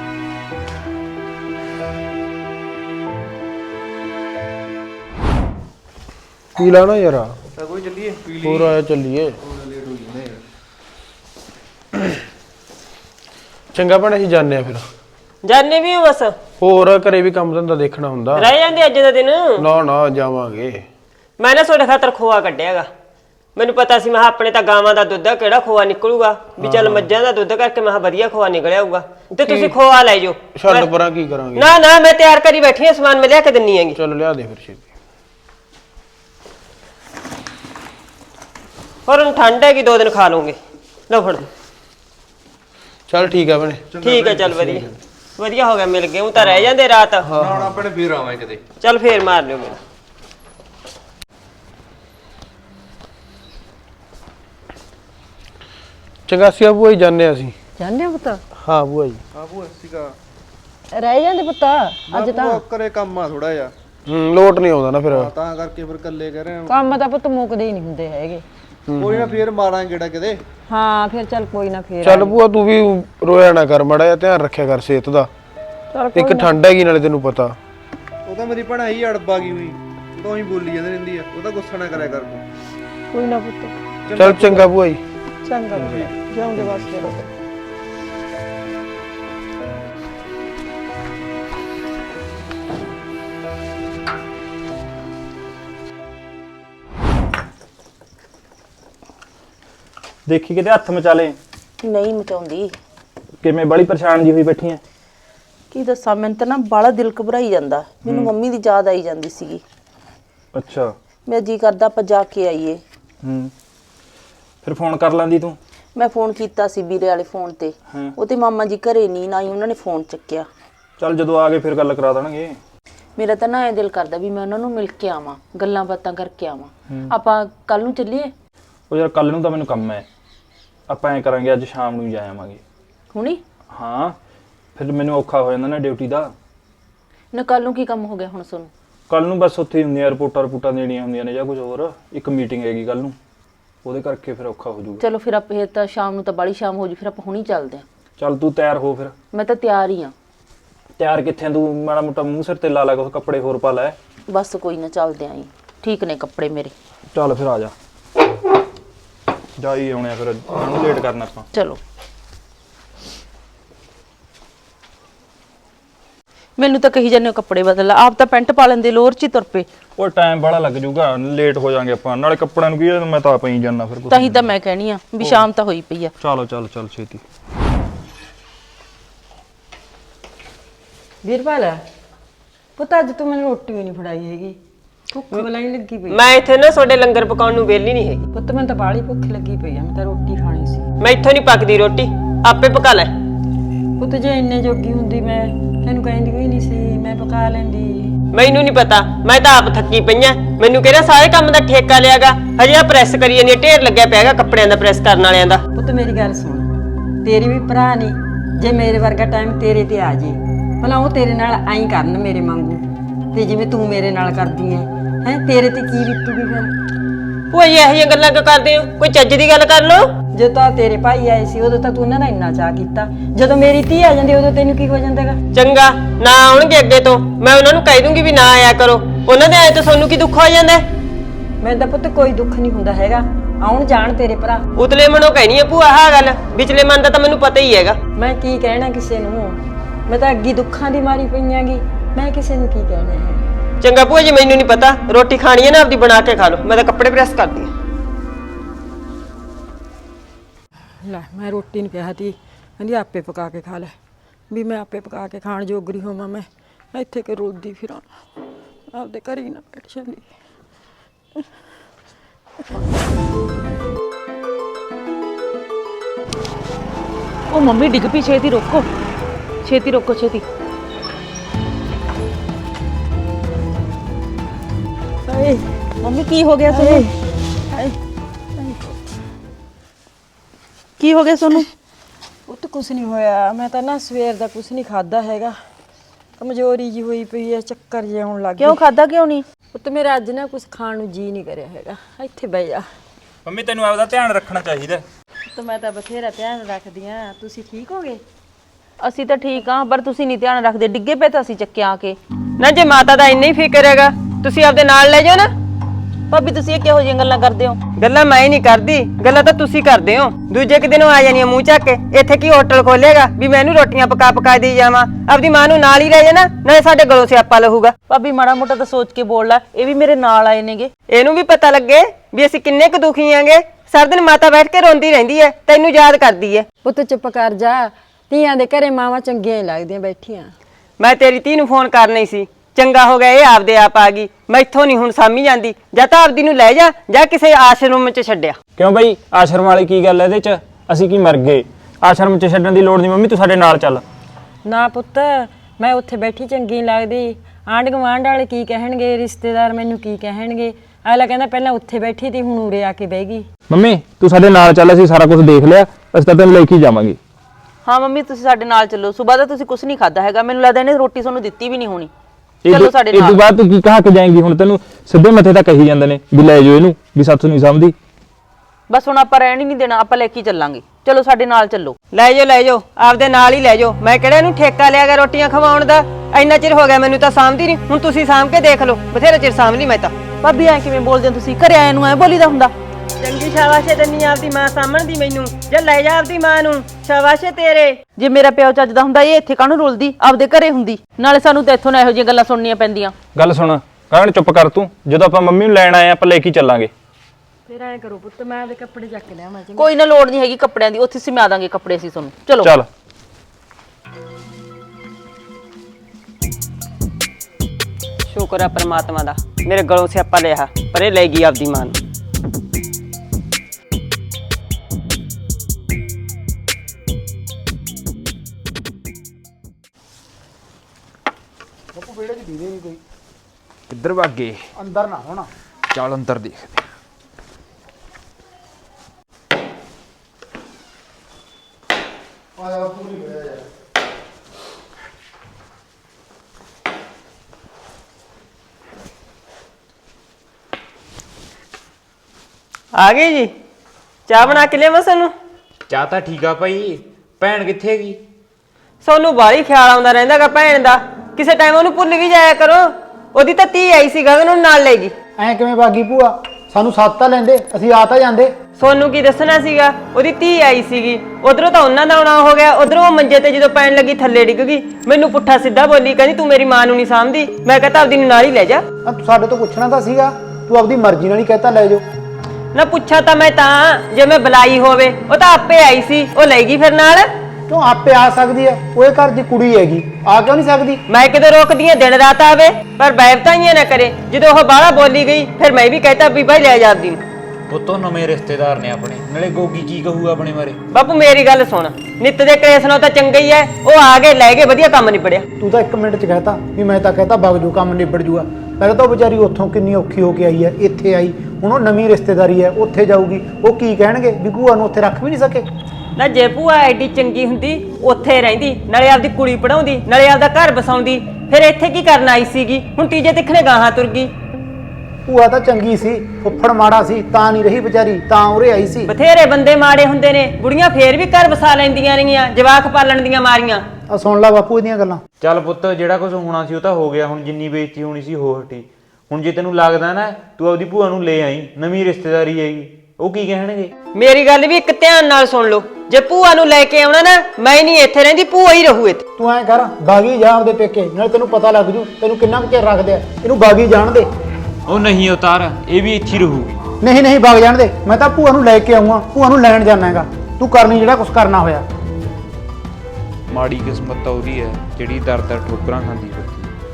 Speaker 6: ਪੀ ਲੈਣਾ ਯਾਰ,
Speaker 7: ਤਾਂ ਕੋਈ ਚੱਲੀਏ ਪੀ ਲਈ।
Speaker 6: ਹੋਰ ਆਇਆ ਚੱਲੀਏ।
Speaker 7: ਲੇਟ ਹੋ ਗਈ ਨਾ।
Speaker 6: ਚੰਗਾ ਭੈਣ, ਅਸੀਂ ਜਾਂਦੇ ਆ ਫਿਰ।
Speaker 4: ਜਾਣੇ ਵੀ ਹੋ ਬਸ,
Speaker 6: ਹੋਰ ਘਰੇ ਵੀ ਕੰਮ ਧੰਦਾ ਦੇਖਣਾ ਹੁੰਦਾ।
Speaker 4: ਰਹਿ ਜਾਂਦੇ ਅੱਜ ਦਾ ਦਿਨ।
Speaker 6: ਨਾ ਨਾ ਜਾਵਾਂਗੇ।
Speaker 4: ਮੈਂ ਨਾ ਤੁਹਾਡੇ ਖਾਤਰ ਖੋਆ ਕੱਢਿਆਗਾ। ਮੈਨੂੰ ਪਤਾ ਸੀ, ਮੈਂ ਕਿਹਾ ਆਪਣੇ ਤਾਂ ਗਾਵਾਂ ਦਾ ਦੁੱਧ ਆ, ਕਿਹੜਾ ਖੋਆ ਨਿਕਲੂਗਾ। ਵੀ ਚੱਲ ਮੱਝਾਂ ਦਾ ਦੁੱਧ ਕਰਕੇ ਮੈਂ ਕਿਹਾ ਵਧੀਆ ਖੋਆ ਨਿਕਲਿਆ ਹੋਊਗਾ, ਤੇ ਤੁਸੀਂ ਖੋਆ ਲੈ ਜਾਓ।
Speaker 6: ਛੱਡ ਪਰਾਂ, ਕੀ ਕਰਾਂਗੇ।
Speaker 4: ਨਾ ਨਾ, ਮੈਂ ਤਿਆਰ ਕਰੀ ਬੈਠੀ ਆ, ਸਮਾਨ ਮੈਂ ਲਿਆ ਕੇ ਦਿੰਨੀ ਹੈਗੀ।
Speaker 6: ਚਲ ਲਿਆ ਦੇ ਫਿਰ ਛੇਤੀ।
Speaker 4: ਹੋਰ ਹੁਣ ਠੰਡ ਹੈਗੀ, ਦੋ ਦਿਨ ਖਾ ਲਓਗੇ। ਲਓ ਫੜ।
Speaker 6: ਚਲ ਠੀਕ ਆ ਭੈਣੇ।
Speaker 4: ਠੀਕ ਹੈ, ਚੱਲ ਵਧੀਆ ਵਧੀਆ ਹੋ ਗਿਆ, ਮਿਲ ਗਏ। ਉਹ ਤਾਂ ਰਹਿ ਜਾਂਦੇ ਰਾਤ।
Speaker 7: ਨਾ ਹੁਣ ਆਪਣੇ ਫੇਰ ਆਵਾਂ ਕਿਤੇ।
Speaker 4: ਚੱਲ ਫੇਰ ਮਾਰ ਲਿਓ ਮੇਰਾ।
Speaker 6: ਚੰਗਾ ਸੀ ਭੂਆ ਜੀ, ਜਾਂਦੇ ਆ ਅਸੀਂ।
Speaker 3: ਜਾਂਦੇ ਪੁੱਤ?
Speaker 6: ਹਾਂ ਭੂਆ ਜੀ।
Speaker 7: ਹਾਂ ਭੂਆ ਸੀਗਾ।
Speaker 3: ਰਹਿ ਜਾਂਦੇ ਪੁੱਤ ਅੱਜ ਤਾਂ।
Speaker 7: ਘਰੇ ਕੰਮ ਆ ਥੋੜਾ ਜਿਹਾ,
Speaker 6: ਹੂੰ ਲੋਟ ਨਹੀਂ ਆਉਂਦਾ ਨਾ ਫਿਰ।
Speaker 7: ਤਾਂ ਕਰਕੇ ਫਿਰ ਇਕੱਲੇ ਕਹਿ ਰਹੇ ਹਾਂ।
Speaker 3: ਕੰਮ ਤਾਂ ਪੁੱਤ ਮੁੱਕਦੇ ਹੀ ਨਹੀਂ ਹੁੰਦੇ ਹੈਗੇ।
Speaker 7: ਕੋਈ ਨਾ ਫੇਰ ਮਾਰਾਂਗੇ ਗੇੜਾ ਕਿਤੇ।
Speaker 3: ਹਾਂ ਫਿਰ ਚੱਲ ਕੋਈ ਨਾ, ਫੇਰ
Speaker 6: ਚੱਲ ਭੂਆ ਤੂੰ ਵੀ ਰੋਇਆ ਨਾ ਕਰ, ਮਾੜਾ ਜਿਹਾ ਧਿਆਨ ਰੱਖਿਆ ਕਰ ਸਿਹਤ ਦਾ।
Speaker 3: ਚੱਲ
Speaker 6: ਇੱਕ ਠੰਡ ਹੈਗੀ ਨਾਲੇ, ਤੈਨੂੰ ਪਤਾ।
Speaker 7: ਉਹ ਤਾਂ ਮੇਰੀ ਭੈਣ ਹੀ ਅੜਬਾ ਗਈ ਹੋਈ, ਉਹ ਤਾਂ ਉਹੀ ਬੋਲੀ ਜਾਂਦੀ ਰਹਿੰਦੀ ਆ। ਉਹਦਾ ਗੁੱਸਾ ਨਾ ਕਰਿਆ ਕਰ ਤੂੰ।
Speaker 3: ਕੋਈ ਨਾ ਪੁੱਤ।
Speaker 6: ਚੱਲ ਚੰਗਾ ਭੂਆ ਜੀ।
Speaker 3: ਚੰਗਾ ਜਾਉਂਗੇ ਬਸ ਫਿਰ।
Speaker 2: ਦੇਖੀ ਕਿਤੇ ਹੱਥ ਮਚਾਲੇ।
Speaker 1: ਨਹੀਂ ਮਚਾਉਂਦੀ।
Speaker 2: ਕਿਵੇਂ ਬੜੀ ਪਰੇਸ਼ਾਨ ਜੀ ਹੋਈ ਬੈਠੀ ਐ?
Speaker 1: ਕੀ ਦੱਸਾਂ, ਮੈਨੂੰ ਤਾਂ ਨਾ ਬਾਲਾ ਦਿਲ ਘਬਰਾਈ ਜਾਂਦਾ। ਮੈਨੂੰ ਮੰਮੀ ਦੀ ਯਾਦ ਆਈ ਜਾਂਦੀ ਸੀਗੀ।
Speaker 2: ਅੱਛਾ।
Speaker 1: ਮੇਰਾ ਜੀ ਕਰਦਾ ਆਪਾਂ ਜਾ ਕੇ ਆਈਏ।
Speaker 2: ਹੂੰ, ਫਿਰ ਫੋਨ ਕਰ ਲੈਂਦੀ ਤੂੰ।
Speaker 1: ਮੈਂ ਫੋਨ ਕੀਤਾ ਸੀ ਵੀਰੇ ਵਾਲੇ ਫੋਨ ਤੇ, ਉਹ ਤੇ ਮਾਮਾ ਜੀ ਘਰੇ ਨਹੀਂ, ਨਾ ਹੀ ਉਹਨਾਂ ਨੇ ਫੋਨ ਚੱਕਿਆ।
Speaker 2: ਚੱਲ ਜਦੋਂ ਆ ਗਏ ਫਿਰ ਗੱਲ ਕਰਾ ਦੇਣਗੇ।
Speaker 1: ਮੇਰਾ ਤਾਂ ਨਾ ਇਹ ਦਿਲ ਕਰਦਾ ਵੀ ਮੈਂ ਉਹਨਾਂ ਨੂੰ ਮਿਲ ਕੇ ਆਵਾਂ, ਗੱਲਾਂ ਬਾਤਾਂ ਕਰਕੇ ਆਵਾਂ। ਆਪਾਂ ਕੱਲ ਨੂੰ ਚੱਲੀਏ?
Speaker 2: ਉਹ ਯਾਰ ਕੱਲ ਨੂੰ ਤਾਂ ਮੈਨੂੰ ਕੰਮ ਹੈ, ਆਪਾਂ ਐਂ ਕਰਾਂਗੇ ਅੱਜ ਸ਼ਾਮ ਨੂੰ ਜਾ ਆਵਾਂਗੇ।
Speaker 1: ਹੁਣੀ?
Speaker 2: ਹਾਂ, ਫਿਰ ਮੈਨੂੰ ਔਖਾ ਹੋ ਜਾਂਦਾ ਨਾ ਡਿਊਟੀ ਦਾ।
Speaker 1: ਨਾ ਕੱਲ ਨੂੰ ਕੀ ਕੰਮ ਹੋ ਗਿਆ ਹੁਣ ਤੁਹਾਨੂੰ?
Speaker 2: ਕੱਲ ਨੂੰ ਬਸ ਉੱਥੇ ਹੀ ਹੁੰਦੀਆਂ ਰਿਪੋਰਟਾਂ ਰਿਪੋਰਟਾਂ ਦੇਣੀਆਂ ਹੁੰਦੀਆਂ ਨੇ ਜਾਂ ਕੁਝ ਹੋਰ। ਇੱਕ ਮੀਟਿੰਗ ਹੈਗੀ ਕੱਲ ਨੂੰ, ਉਹਦੇ ਕਰਕੇ ਫਿਰ ਔਖਾ ਹੋ ਜਾਊਗਾ।
Speaker 1: ਚਲੋ ਫਿਰ ਆਪਾਂ ਇਹ ਤਾਂ ਸ਼ਾਮ ਨੂੰ ਤਾਂ ਬਾਲੀ ਸ਼ਾਮ ਹੋ ਜੂ, ਫਿਰ ਆਪਾਂ ਹੁਣੀ ਚੱਲਦੇ ਆਂ।
Speaker 2: ਚੱਲ ਤੂੰ ਤਿਆਰ ਹੋ ਫਿਰ।
Speaker 1: ਮੈਂ ਤਾਂ ਤਿਆਰ ਹੀ ਆ।
Speaker 2: ਤਿਆਰ ਕਿੱਥੇ ਆਂ ਤੂੰ? ਮਾੜਾ ਮੋਟਾ ਮੂੰਹ ਸਿਰ ਤੇ ਲਾ ਲੈ ਕੁਛ, ਕੱਪੜੇ ਹੋਰ ਪਾ ਲੈ।
Speaker 1: ਬਸ ਕੋਈ ਨਾ, ਚੱਲਦੇ ਆਂ। ਠੀਕ ਨੇ ਕੱਪੜੇ ਮੇਰੇ।
Speaker 2: ਚੱਲ ਫਿਰ ਆ ਜਾ, ਜਾ ਹੀ ਆਉਣੇ ਆ ਫਿਰ, ਉਹਨੂੰ ਲੇਟ ਕਰਨਾ ਆਪਾਂ।
Speaker 1: ਚਲੋ। ਮੈਨੂੰ ਤਾਂ ਕਹੀ ਜਾਂਦੇ ਹੋ ਕੱਪੜੇ ਬਦਲ, ਆਪ ਤਾਂ ਪੈਂਟ ਪਾ ਲੈਂਦੇ, ਲੋਅਰ ਚ ਹੀ ਤੁਰ ਪਏ।
Speaker 2: ਉਹ ਟਾਈਮ ਬੜਾ ਲੱਗ ਜਾਊਗਾ, ਲੇਟ ਹੋ ਜਾਾਂਗੇ ਆਪਾਂ। ਨਾਲੇ ਕੱਪੜਿਆਂ ਨੂੰ ਕੀ, ਮੈਂ ਤਾਂ ਪਈ ਜਾਣਾ ਫਿਰ।
Speaker 1: ਤਾਂ ਹੀ ਤਾਂ ਮੈਂ ਕਹਿਣੀ ਆ ਵੀ ਸ਼ਾਮ ਤਾਂ ਹੋਈ ਪਈ ਆ।
Speaker 2: ਚਲੋ ਚੱਲ ਚੱਲ ਛੇਤੀ।
Speaker 3: ਵੀਰਪਾਲ ਪੁੱਤ, ਅੱਜ ਤੂੰ ਮੈਨੂੰ ਰੋਟੀ ਵੀ ਨਹੀਂ ਫੜਾਈ ਹੈਗੀ, ਭੁੱਖ ਬਲਾਈ ਲੱਗੀ ਪਈ।
Speaker 4: ਮੈਂ ਇੱਥੇ ਨਾ ਤੁਹਾਡੇ ਲੰਗਰ ਪਕਾਉਣ ਨੂੰ ਵਿਹਲੀ ਨਹੀਂ ਹੈਗੀ।
Speaker 3: ਪੁੱਤ ਮੈਨੂੰ ਤਾਂ ਬਾਹਲੀ ਭੁੱਖ ਲੱਗੀ ਪਈ ਆ, ਮੈਂ ਤਾਂ ਰੋਟੀ ਖਾਣੀ ਸੀ।
Speaker 4: ਮੈਂ ਇੱਥੋਂ ਨਹੀਂ ਪੱਕਦੀ ਰੋਟੀ, ਆਪੇ ਪਕਾ ਲੈ।
Speaker 3: ਪੁੱਤ ਜੇ ਇੰਨੇ ਜੋਗੀ ਹੁੰਦੀ ਮੈਂ ਤੈਨੂੰ ਕਹਿੰਦੀ ਵੀ ਨਹੀਂ ਸੀ, ਮੈਂ ਪਕਾ ਲੈਂਦੀ।
Speaker 4: ਮੈਨੂੰ ਨਹੀਂ ਪਤਾ, ਮੈਂ ਤਾਂ ਆਪ ਥੱਕੀ ਪਈਆਂ। ਮੈਨੂੰ ਕਿਹੜਾ ਸਾਰੇ ਕੰਮ ਦਾ ਠੇਕਾ ਲਿਆਗਾ। ਹਜੇ ਆ ਪ੍ਰੈਸ ਕਰੀ ਜਾਂਦੀ, ਢੇਰ ਲੱਗਿਆ ਪਿਆਗਾ ਕੱਪੜਿਆਂ ਦਾ, ਪ੍ਰੈਸ ਕਰਨ ਵਾਲਿਆਂ ਦਾ।
Speaker 3: ਪੁੱਤ ਮੇਰੀ ਗੱਲ ਸੁਣ, ਤੇਰੀ ਵੀ ਭਰਾ ਨਹੀਂ, ਜੇ ਮੇਰੇ ਵਰਗਾ ਟਾਈਮ ਤੇਰੇ ਤੇ ਆ ਜੇ ਭਲਾ ਉਹ ਤੇਰੇ ਨਾਲ ਐਂ ਕਰਨ ਮੇਰੇ ਵਾਂਗੂ, ਤੇ ਜਿਵੇਂ ਤੂੰ ਮੇਰੇ ਨਾਲ ਕਰਦੀ ਐ ਹੈ, ਤੇਰੇ ਤੇ ਕੀ ਬੀਤੂਗੀ ਫਿਰ?
Speaker 4: ਭੂਆ ਜੀ ਇਹੋ ਜਿਹੀਆਂ ਗੱਲਾਂ ਕਿਉਂ ਕਰਦੇ ਹੋ? ਕੋਈ ਚੱਜ ਦੀ ਗੱਲ ਕਰ ਲਓ।
Speaker 3: ਜਦੋਂ ਤਾਂ ਤੇਰੇ ਭਾਈ ਆਏ ਸੀ ਉਦੋਂ ਤਾਂ ਤੂੰ ਉਹਨਾਂ ਦਾ ਇੰਨਾ ਚਾਅ ਕੀਤਾ, ਜਦੋਂ ਮੇਰੀ ਧੀ ਆ ਜਾਂਦੀ ਉਦੋਂ ਤੈਨੂੰ ਕੀ ਹੋ ਜਾਂਦਾਗਾ?
Speaker 4: ਚੰਗਾ, ਨਾ ਆਉਣਗੇ ਅੱਗੇ ਤੋਂ, ਮੈਂ ਉਹਨਾਂ ਨੂੰ ਕਹਿ ਦੂੰਗੀ ਵੀ ਨਾ ਆਇਆ ਕਰੋ। ਉਹਨਾਂ ਦੇ ਆਏ ਤਾਂ ਤੁਹਾਨੂੰ ਕੀ ਦੁੱਖ ਹੋ ਜਾਂਦਾ ਹੈ?
Speaker 3: ਮੈਨੂੰ ਤਾਂ ਪੁੱਤ ਕੋਈ ਦੁੱਖ ਨਹੀਂ ਹੁੰਦਾ ਹੈਗਾ, ਆਉਣ ਜਾਣ ਤੇਰੇ ਭਰਾ।
Speaker 4: ਉਤਲੇ ਮਨੋਂ ਕਹਿਣੀ ਹੈ ਭੂਆ ਆਹ ਗੱਲ, ਵਿਚਲੇ ਮਨ ਦਾ ਤਾਂ ਮੈਨੂੰ ਪਤਾ ਹੀ ਹੈਗਾ।
Speaker 3: ਮੈਂ ਕੀ ਕਹਿਣਾ ਕਿਸੇ ਨੂੰ, ਮੈਂ ਤਾਂ ਅੱਗੀ ਦੁੱਖਾਂ ਦੀ ਮਾਰੀ ਪਈਆਂਗੀ, ਮੈਂ ਕਿਸੇ ਨੂੰ ਕੀ ਕਹਿਣਾ ਹੈ।
Speaker 4: ਚੰਗਾ ਭੂਆ ਜੀ, ਮੈਨੂੰ ਨਹੀਂ ਪਤਾ, ਰੋਟੀ ਖਾਣੀ ਹੈ ਨਾ ਆਪਦੀ ਬਣਾ ਕੇ ਖਾ ਲਓ, ਮੈਂ ਤਾਂ ਕੱਪੜੇ ਪ੍ਰੈਸ ਕਰਦੀ ਹਾਂ।
Speaker 3: ਲੈ ਮੈਂ ਰੋਟੀ ਨੂੰ ਕਿਹਾ ਤੀ, ਕਹਿੰਦੀ ਆਪੇ ਪਕਾ ਕੇ ਖਾ ਲੈ, ਵੀ ਮੈਂ ਆਪੇ ਪਕਾ ਕੇ ਖਾਣ ਜੋਗਰੀ ਹੋਵਾਂ, ਮੈਂ ਇੱਥੇ ਕਿ ਰੁਲਦੀ ਫਿਰਾਂ, ਆਪਦੇ ਘਰ ਹੀ ਨਾ ਬੈਠ ਜਾਂਦੀ।
Speaker 1: ਉਹ ਮੰਮੀ ਡਿੱਗ ਪਈ, ਛੇਤੀ ਰੋਕੋ, ਛੇਤੀ ਰੋਕੋ, ਛੇਤੀ।
Speaker 3: ਹਾਏ
Speaker 1: ਮੰਮੀ ਕੀ ਹੋ ਗਿਆ
Speaker 3: ਹਾਏ
Speaker 1: ਤੁਹਾਨੂੰ? ਕੀ ਹੋ ਗਿਆ ਤੁਹਾਨੂੰ?
Speaker 3: ਉਹ ਤਾਂ ਕੁਛ ਨਹੀਂ ਹੋਇਆ, ਮੈਂ ਤਾਂ ਨਾ ਸਵੇਰ ਦਾ ਕੁਛ ਨਹੀਂ ਖਾਦਾ ਹੈਗਾ, ਕਮਜ਼ੋਰੀ ਜੀ ਹੋਈ ਪਈ ਹੈ, ਚੱਕਰ ਜਿਹੇ ਆਉਣ ਲੱਗ ਗਏ।
Speaker 1: ਕਿਉਂ ਖਾਦਾ ਕਿਉਂ ਨਹੀਂ?
Speaker 3: ਉਹ ਤਾਂ ਮੇਰਾ ਅੱਜ ਨਾ ਕੁਛ ਖਾਣ ਨੂੰ ਜੀ ਨਹੀਂ ਕਰਿਆ ਹੈਗਾ, ਇੱਥੇ ਬਹਿ ਜਾ।
Speaker 8: ਮੰਮੀ ਤੈਨੂੰ ਆਪਦਾ ਧਿਆਨ ਰੱਖਣਾ ਚਾਹੀਦਾ।
Speaker 3: ਤਾਂ ਮੈਂ ਤਾਂ ਬਥੇਰਾ ਧਿਆਨ ਰੱਖਦੀ ਆ, ਤੁਸੀਂ ਠੀਕ ਹੋਗੇ?
Speaker 1: ਅਸੀਂ ਤਾਂ ਠੀਕ ਆ, ਪਰ ਤੁਸੀਂ ਨਹੀਂ ਧਿਆਨ ਰੱਖਦੇ, ਡਿੱਗੇ ਪਏ ਤਾਂ ਅਸੀਂ ਚੱਕਿਆ ਆ ਕੇ।
Speaker 4: ਨਾ ਜੇ ਮਾਤਾ ਦਾ ਇੰਨਾ ਹੀ ਫਿਕਰ ਹੈਗਾ, ਤੁਸੀਂ ਆਪਦੇ ਨਾਲ ਲੈ ਜਾਓ ਨਾ।
Speaker 1: ਭਾਬੀ ਤੁਸੀਂ ਇਹ ਕਿਹੋ ਜਿਹੀਆਂ ਗੱਲਾਂ ਕਰਦੇ ਹੋ?
Speaker 4: ਗੱਲਾਂ ਮੈਂ ਨਹੀਂ ਕਰਦੀ, ਗੱਲਾਂ ਤਾਂ ਤੁਸੀਂ ਕਰਦੇ ਹੋ। ਦੂਜੇ ਕਿ ਦਿਨੋਂ ਆ ਜਾਣੀਆਂ ਮੂੰਹ ਚੱਕ ਕੇ, ਇੱਥੇ ਕੀ ਹੋਟਲ ਖੋਲੇਗਾ ਵੀ ਮੈਨੂੰ ਰੋਟੀਆਂ ਪਕਾ ਪਕਾ ਦੇਈ ਜਾਵਾਂ? ਆਪਦੀ ਮਾਂ ਨੂੰ ਨਾਲ ਹੀ ਲੈ ਜਾ ਨਾ, ਨਾਲੇ ਸਾਡੇ ਗਲੋਂ ਸਿਆਪਾ ਲਹੂਗਾ।
Speaker 1: ਭਾਬੀ ਮਾੜਾ ਮੋਟਾ ਤਾਂ ਸੋਚ ਕੇ ਬੋਲ ਲੈ, ਇਹ ਵੀ ਮੇਰੇ ਨਾਲ ਆਏ ਨੇਗੇ।
Speaker 4: ਇਹਨੂੰ ਵੀ ਪਤਾ ਲੱਗੇ ਵੀ ਅਸੀਂ ਕਿੰਨੇ ਕੁ ਦੁਖੀ ਆਂਗੇ। ਸਾਰਾ ਦਿਨ ਮਾਤਾ ਬੈਠ ਕੇ ਰੋਂਦੀ ਰਹਿੰਦੀ ਐ, ਤੈਨੂੰ ਯਾਦ ਕਰਦੀ ਐ।
Speaker 3: ਪੁੱਤ ਚੁੱਪ ਕਰ ਜਾ, ਧੀਆਂ ਦੇ ਘਰੇ ਮਾਵਾਂ ਚੰਗੀਆਂ ਹੀ ਲੱਗਦੀਆਂ ਬੈਠੀਆਂ।
Speaker 4: ਮੈਂ ਤੇਰੀ ਧੀ ਨੂੰ ਫੋਨ ਕਰਨਾ ਹੀ ਸੀ, ਚੰਗਾ ਹੋ ਗਿਆ ਇਹ ਆਪਦੇ ਆਪ ਆ ਗਈ। ਮੈਥੋਂ ਨਹੀਂ ਹੁਣ ਸਾਮੀ ਜਾਂਦੀ, ਜਾਂ ਤਾਂ ਆਪਦੀ ਨੂੰ ਲੈ ਜਾ ਜਾਂ ਕਿਸੇ ਆਸ਼ਰਮ ਵਿੱਚ ਛੱਡਿਆ।
Speaker 2: ਕਿਉਂ ਬਈ, ਆਸ਼ਰਮ ਵਾਲੀ ਕੀ ਗੱਲ ਐ ਇਹਦੇ ਚ? ਅਸੀਂ ਕੀ ਮਰ ਗਏ? ਆਸ਼ਰਮ ਚ ਛੱਡਣ ਦੀ ਲੋੜ ਨਹੀਂ ਮੰਮੀ, ਤੂੰ ਸਾਡੇ ਨਾਲ ਚੱਲ।
Speaker 3: ਨਾ ਪੁੱਤ, ਮੈਂ ਉੱਥੇ ਬੈਠੀ ਚੰਗੀ ਲੱਗਦੀ, ਆਂਢ ਗੁਆਂਢ ਵਾਲੇ ਕੀ ਕਹਿਣਗੇ, ਰਿਸ਼ਤੇਦਾਰ ਮੈਨੂੰ ਕੀ ਕਹਿਣਗੇ। ਅਗਲਾ ਕਹਿੰਦਾ ਪਹਿਲਾਂ ਉੱਥੇ ਬੈਠੀ ਤੀ, ਹੁਣ ਉਰੇ ਆ ਕੇ ਬਹਿ ਗਈ।
Speaker 2: ਮੰਮੀ ਤੂੰ ਸਾਡੇ ਨਾਲ ਚੱਲ, ਅਸੀਂ ਸਾਰਾ ਕੁਝ ਦੇਖ ਲਿਆ, ਅਸੀਂ ਤਾਂ ਤੈਨੂੰ ਲੈ ਕੇ ਜਾਵਾਂਗੇ।
Speaker 1: ਹਾਂ ਮੰਮੀ ਤੁਸੀਂ ਸਾਡੇ ਨਾਲ ਚੱਲੋ, ਸਵੇਰ ਦਾ ਤੁਸੀਂ ਕੁਝ ਨਹੀਂ ਖਾਦਾ ਹੈਗਾ, ਮੈਨੂੰ ਲੱਗਦਾ ਇਹਨੇ ਰੋਟੀ ਤੁਹਾਨੂੰ ਦਿੱਤੀ ਵੀ ਨਹੀਂ ਹੋਣੀ। ਚਲੋ ਸਾਡੇ ਨਾਲ।
Speaker 2: ਇਸ ਤੋਂ ਬਾਅਦ ਤੂੰ ਕੀ ਕਹਾ ਕੇ ਜਾਏਂਗੀ? ਹੁਣ ਤੈਨੂੰ ਸਿੱਧੇ ਮੱਥੇ ਤਾਂ ਕਹੀ ਜਾਂਦੇ ਨੇ ਵੀ ਲੈ ਜਾਓ ਇਹਨੂੰ, ਵੀ ਸੱਤ ਨਹੀਂ ਸਮਝਦੀ।
Speaker 1: ਬਸ ਹੁਣ ਆਪਾਂ ਰਹਿਣ ਹੀ ਨਹੀਂ ਦੇਣਾ, ਆਪਾਂ ਲੈ ਕੇ ਚੱਲਾਂਗੇ। ਚਲੋ ਸਾਡੇ ਨਾਲ ਚੱਲੋ।
Speaker 4: ਲੈ ਜਾਓ ਲੈ ਜਾਓ, ਆਪਦੇ ਨਾਲ ਹੀ ਲੈ ਜਾਓ। ਮੈਂ ਕਿਹੜਾ ਇਹਨੂੰ ਠੇਕਾ ਲਿਆ ਗਿਆ ਰੋਟੀਆਂ ਖਵਾਉਣ ਦਾ? ਇੰਨਾ ਚਿਰ ਹੋ ਗਿਆ ਮੈਨੂੰ ਤਾਂ ਸਾਂਭਦੀ ਨਹੀਂ, ਹੁਣ ਤੁਸੀਂ ਸਾਂਭ ਕੇ ਦੇਖ ਲਓ। ਬਥੇਰਾ ਚਿਰ ਸਾਂਭ ਲਈ ਮੈਂ ਤਾਂ।
Speaker 1: ਭਾਬੀ ਐ ਕਿਵੇਂ ਬੋਲਦੇ ਹੋ ਤੁਸੀਂ? ਘਰੇ ਆਏ ਨੂੰ ਐ ਬੋਲੀਦਾ ਹੁੰਦਾ?
Speaker 4: ਚੰਗੀ ਸ਼ਾਬਾਸ਼ੇ ਦਿੰਨੀ ਆਪਦੀ ਮਾਂ ਸਾਂਭਣ ਦੀ ਮੈਨੂੰ, ਜੇ ਲੈ ਜਾ ਆਪਦੀ ਮਾਂ ਨੂੰ, ਸ਼ਾਬਾਸ਼ੇ ਤੇਰੇ।
Speaker 1: ਜੇ ਮੇਰਾ ਪਿਓ ਚੱਜਦਾ ਹੁੰਦਾ ਇਹ ਇੱਥੇ ਕਾਹਨੂੰ ਰੁਲਦੀ, ਆਪਦੇ ਘਰੇ ਹੁੰਦੀ। ਨਾਲੇ ਸਾਨੂੰ ਤਾਂ ਇੱਥੋਂ ਨਾ ਇਹੋ ਜਿਹੀਆਂ ਗੱਲਾਂ ਸੁਣਨੀਆਂ ਪੈਂਦੀਆਂ।
Speaker 2: ਗੱਲ ਸੁਣ ਕਹਿਣ, ਚੁੱਪ ਕਰ ਤੂੰ। ਜਦੋਂ ਆਪਾਂ ਮੰਮੀ ਨੂੰ ਲੈਣ ਆਏ ਆਪਾਂ ਲੈ ਕੇ ਚੱਲਾਂਗੇ।
Speaker 3: ਫਿਰ ਐਂ ਕਰੋ ਪੁੱਤ, ਮੈਂ ਆਪਦੇ ਕੱਪੜੇ ਚੱਕ ਲਿਆਵਾਂ।
Speaker 1: ਕੋਈ ਨਾ ਲੋੜ ਨਹੀਂ ਹੈਗੀ ਕੱਪੜਿਆਂ ਦੀ, ਉੱਥੇ ਸਮਾ ਦਾਂਗੇ ਕੱਪੜੇ ਅਸੀਂ ਤੁਹਾਨੂੰ। ਚਲੋ
Speaker 2: ਚੱਲ।
Speaker 4: ਸ਼ੁਕਰ ਹੈ ਪਰਮਾਤਮਾ ਦਾ, ਮੇਰੇ ਗਲੋਂ ਸਿਆਪਾ ਲਿਆ, ਪਰ ਇਹ ਲੈ ਗਈ ਆਪਦੀ ਮਾਂ ਨੂੰ।
Speaker 5: ਬੱਪੂ ਵਿਹੜੇ 'ਚ ਦੀਦੇ ਨਹੀਂ ਕੋਈ,
Speaker 8: ਕਿੱਧਰ ਭੱਗ ਗਏ?
Speaker 5: ਅੰਦਰ ਨਾ ਹੋਣਾ।
Speaker 8: ਚੱਲ ਅੰਦਰ ਦੇਖਦੇ।
Speaker 5: ਆ ਜਾ ਬੱਪੂ ਨਹੀਂ ਵਿਹੜਾ ਯਾਰ।
Speaker 4: ਆ ਗਏ ਜੀ, ਚਾਹ ਬਣਾ ਕੇ ਲਿਆਵਾਂ ਸਾਨੂੰ?
Speaker 8: ਚਾਹ ਤਾਂ ਠੀਕ ਆ ਭਾਈ, ਭੈਣ ਕਿੱਥੇ ਗਈ?
Speaker 4: ਸਾਨੂੰ ਬਾਹਲੀ ਖਿਆਲ ਆਉਂਦਾ ਰਹਿੰਦਾਗਾ ਭੈਣ ਦਾ, ਕਿਸੇ ਟਾਈਮ ਉਹਨੂੰ ਭੁੱਲ ਵੀ ਜਾਇਆ ਕਰੋ। ਉਹਦੀ ਤਾਂ ਧੀ ਆਈ ਸੀ ਗਗਨ, ਉਹਨੂੰ ਨਾਲ ਲੈ ਗਈ।
Speaker 5: ਐਂ ਕਿਵੇਂ ਬਾਗੀ ਭੂਆ? ਸਾਨੂੰ ਸੱਤ ਤਾਂ ਲੈਂਦੇ, ਅਸੀਂ ਆ ਤਾਂ ਜਾਂਦੇ।
Speaker 4: ਸੋਨੂੰ ਕੀ ਦੱਸਣਾ ਸੀਗਾ, ਉਹਦੀ ਧੀ ਆਈ ਸੀਗੀ। ਉਧਰੋਂ ਤਾਂ ਉਹਨਾਂ ਦਾ ਆਉਣਾ ਹੋ ਗਿਆ, ਉਧਰੋਂ ਉਹ ਮੰਜੇ ਤੇ ਜਦੋਂ ਪੈਣ ਲੱਗੀ ਥੱਲੇ ਡਿੱਗ ਗਈ। ਮੈਨੂੰ ਪੁੱਠਾ ਸਿੱਧਾ ਬੋਲੀ, ਕਹਿੰਦੀ ਤੂੰ ਮੇਰੀ ਮਾਂ ਨੂੰ ਨਹੀਂ ਸਾਂਭਦੀ। ਮੈਂ ਕਹਤਾ ਆਪਦੀ ਨੂੰ ਨਾਲ ਹੀ ਲੈ ਜਾ।
Speaker 5: ਆ ਤੂੰ ਸਾਡੇ ਤੋਂ ਪੁੱਛਣਾ ਤਾਂ ਸੀਗਾ, ਤੂੰ ਆਪਦੀ ਮਰਜ਼ੀ ਨਾਲ ਹੀ ਕਹਿਤਾ ਲੈ ਜਾਓ।
Speaker 4: ਨਾ ਪੁੱਛਾ ਤਾਂ ਮੈਂ ਤਾਂ, ਜੇ ਮੈਂ ਬੁਲਾਈ ਹੋਵੇ। ਉਹ ਤਾਂ ਆਪੇ ਆਈ ਸੀ, ਉਹ ਲੈ ਗਈ ਫਿਰ ਨਾਲ।
Speaker 5: ਕਿਉਂ ਆਪੇ ਆ ਸਕਦੀ ਆ, ਉਹ ਇਹ ਘਰ ਦੀ ਕੁੜੀ ਹੈਗੀ, ਆ ਕਿਉਂ ਨਹੀਂ ਸਕਦੀ?
Speaker 4: ਮੈਂ ਕਿਤੇ ਰੋਕਦੀ ਆ ਦਿਨ ਰਾਤ ਆਵੇ, ਪਰ ਬੈਵਤਾਈਆਂ ਨਾ ਕਰੇ। ਜਦੋਂ ਉਹ ਬਾਹਲਾ ਬੋਲੀ ਗਈ, ਫਿਰ ਮੈਂ ਵੀ ਕਹਿਤਾ ਵੀ ਭਾਈ ਲੈ ਜਾ ਆਪਦੀ ਨੂੰ।
Speaker 8: ਪੁੱਤੋਂ ਨਵੇਂ ਰਿਸ਼ਤੇਦਾਰ ਨੇ ਆਪਣੇ, ਨਾਲੇ ਗੋਗੀ ਕੀ ਕਹੂਗਾ ਆਪਣੇ ਬਾਰੇ?
Speaker 4: ਬਾਪੂ ਮੇਰੀ ਗੱਲ ਸੁਣ, ਨਿੱਤ ਦੇ ਕਲੇਸ਼ ਨਾਲੋਂ ਤਾਂ ਚੰਗਾ ਹੀ ਐ ਉਹ ਆ ਗਏ ਲੈ ਗਏ, ਵਧੀਆ ਕੰਮ ਨਿਬੜਿਆ।
Speaker 5: ਤੂੰ ਤਾਂ ਇੱਕ ਮਿੰਟ 'ਚ ਕਹਿਤਾ ਵੀ ਮੈਂ ਤਾਂ ਕਹਿਤਾ ਵਗ ਜੂ, ਕੰਮ ਨਿਬੜ ਜੂਗਾ। ਪਹਿਲਾਂ ਤਾਂ ਉਹ ਵਿਚਾਰੀ ਉੱਥੋਂ ਕਿੰਨੀ ਔਖੀ ਹੋ ਕੇ ਆਈ ਹੈ, ਇੱਥੇ ਆਈ, ਹੁਣ ਉਹ ਨਵੀਂ ਰਿਸ਼ਤੇਦਾਰੀ ਹੈ, ਉੱਥੇ ਜਾਊਗੀ। ਉਹ ਕੀ ਕਹਿਣਗੇ ਵੀ ਭੂਆ ਨੂੰ ਉੱਥੇ ਰੱਖ ਵੀ ਨਹੀਂ ਸਕੇ?
Speaker 4: ਨਾ ਜੇ ਭੂਆ ਐਡੀ ਚੰਗੀ ਹੁੰਦੀ, ਉੱਥੇ ਰਹਿੰਦੀ, ਨਾਲੇ ਆਪਦੀ ਕੁੜੀ ਪੜਾਉਂਦੀ, ਨਾਲੇ ਆਪਦਾ ਘਰ ਬਸਾਉਂਦੀ। ਫਿਰ ਇੱਥੇ ਕੀ ਕਰਨ ਆਈ ਸੀਗੀ? ਹੁਣ ਤੀਜੇ ਤਿੱਖਣੇ ਗਾਹਾਂ ਤੁਰ ਗਈ।
Speaker 5: ਭੂਆ ਤਾਂ ਚੰਗੀ ਸੀ, ਫੁੱਫੜ ਮਾੜਾ ਸੀ, ਤਾਂ ਨਹੀਂ ਰਹੀ ਵਿਚਾਰੀ, ਤਾਂ ਉਰੇ ਆਈ ਸੀ।
Speaker 4: ਬਥੇਰੇ ਬੰਦੇ ਮਾੜੇ ਹੁੰਦੇ ਨੇ, ਬੁੜੀਆਂ ਫੇਰ ਵੀ ਘਰ ਵਸਾ ਲੈਂਦੀਆਂ ਨੇਗੀਆਂ, ਜਵਾਕ ਪਾਲਣ ਦੀਆਂ ਮਾਰੀਆਂ।
Speaker 5: ਆ ਸੁਣ ਲੈ ਬਾਪੂ ਇਹਦੀਆਂ ਗੱਲਾਂ।
Speaker 8: ਚੱਲ ਪੁੱਤ, ਜਿਹੜਾ ਕੁਝ ਹੋਣਾ ਸੀ ਉਹ ਤਾਂ ਹੋ ਗਿਆ, ਹੁਣ ਜਿੰਨੀ ਬੇਇੱਜ਼ਤੀ ਹੋਣੀ ਸੀ ਹੋ ਹਟੀ। ਹੁਣ ਜੇ ਤੈਨੂੰ ਲੱਗਦਾ ਨਾ ਤੂੰ ਆਪਦੀ ਭੂਆ ਨੂੰ ਲੈ ਆਈ, ਨਵੀਂ ਰਿਸ਼ਤੇਦਾਰੀ ਹੈਗੀ, ਉਹ ਕੀ ਕਹਿਣਗੇ?
Speaker 4: ਮੇਰੀ ਗੱਲ ਵੀ ਇੱਕ ਧਿਆਨ ਨਾਲ ਸੁਣ ਲਓ, ਜੇ ਭੂਆ ਨੂੰ ਲੈ ਕੇ ਆਉਣਾ ਨਾ, ਮੈਂ ਨਹੀਂ ਇੱਥੇ ਰਹਿੰਦੀ, ਭੂਆ ਹੀ ਰਹੂ ਇੱਥੇ।
Speaker 5: ਤੂੰ ਐਂ ਕਰ ਬਾਗੀ ਜਾ ਆਪਦੇ ਪੇਕੇ, ਨਾਲੇ ਤੈਨੂੰ ਪਤਾ ਲੱਗ ਜੂ ਤੈਨੂੰ ਕਿੰਨਾ ਕੁ ਚਿਰ ਰੱਖਦੇ ਆ। ਇਹਨੂੰ ਬਾਗੀ ਜਾਣ ਦੇ।
Speaker 8: ਉਹ ਨਹੀਂ ਉਤਾਰ, ਇਹ ਵੀ ਇੱਥੇ ਹੀ ਰਹੂਗੀ।
Speaker 5: ਨਹੀਂ ਨਹੀਂ ਬਾਗ ਜਾਣ ਦੇ, ਮੈਂ ਤਾਂ ਭੂਆ ਨੂੰ ਲੈ ਕੇ ਆਉਂਗਾ, ਭੂਆ ਨੂੰ ਲੈਣ ਜਾਣਾ ਹੈਗਾ। ਤੂੰ ਕਰਨੀ ਜਿਹੜਾ ਕੁਝ ਕਰਨਾ ਹੋਇਆ।
Speaker 8: ਮਾੜੀ ਕਿਸਮਤ ਤਾਂ ਉਹਦੀ ਹੈ ਜਿਹੜੀ ਦਰ ਦਰ ਠੋਕਰਾਂ ਖਾਂਦੀ ਫਿਰਦੀ।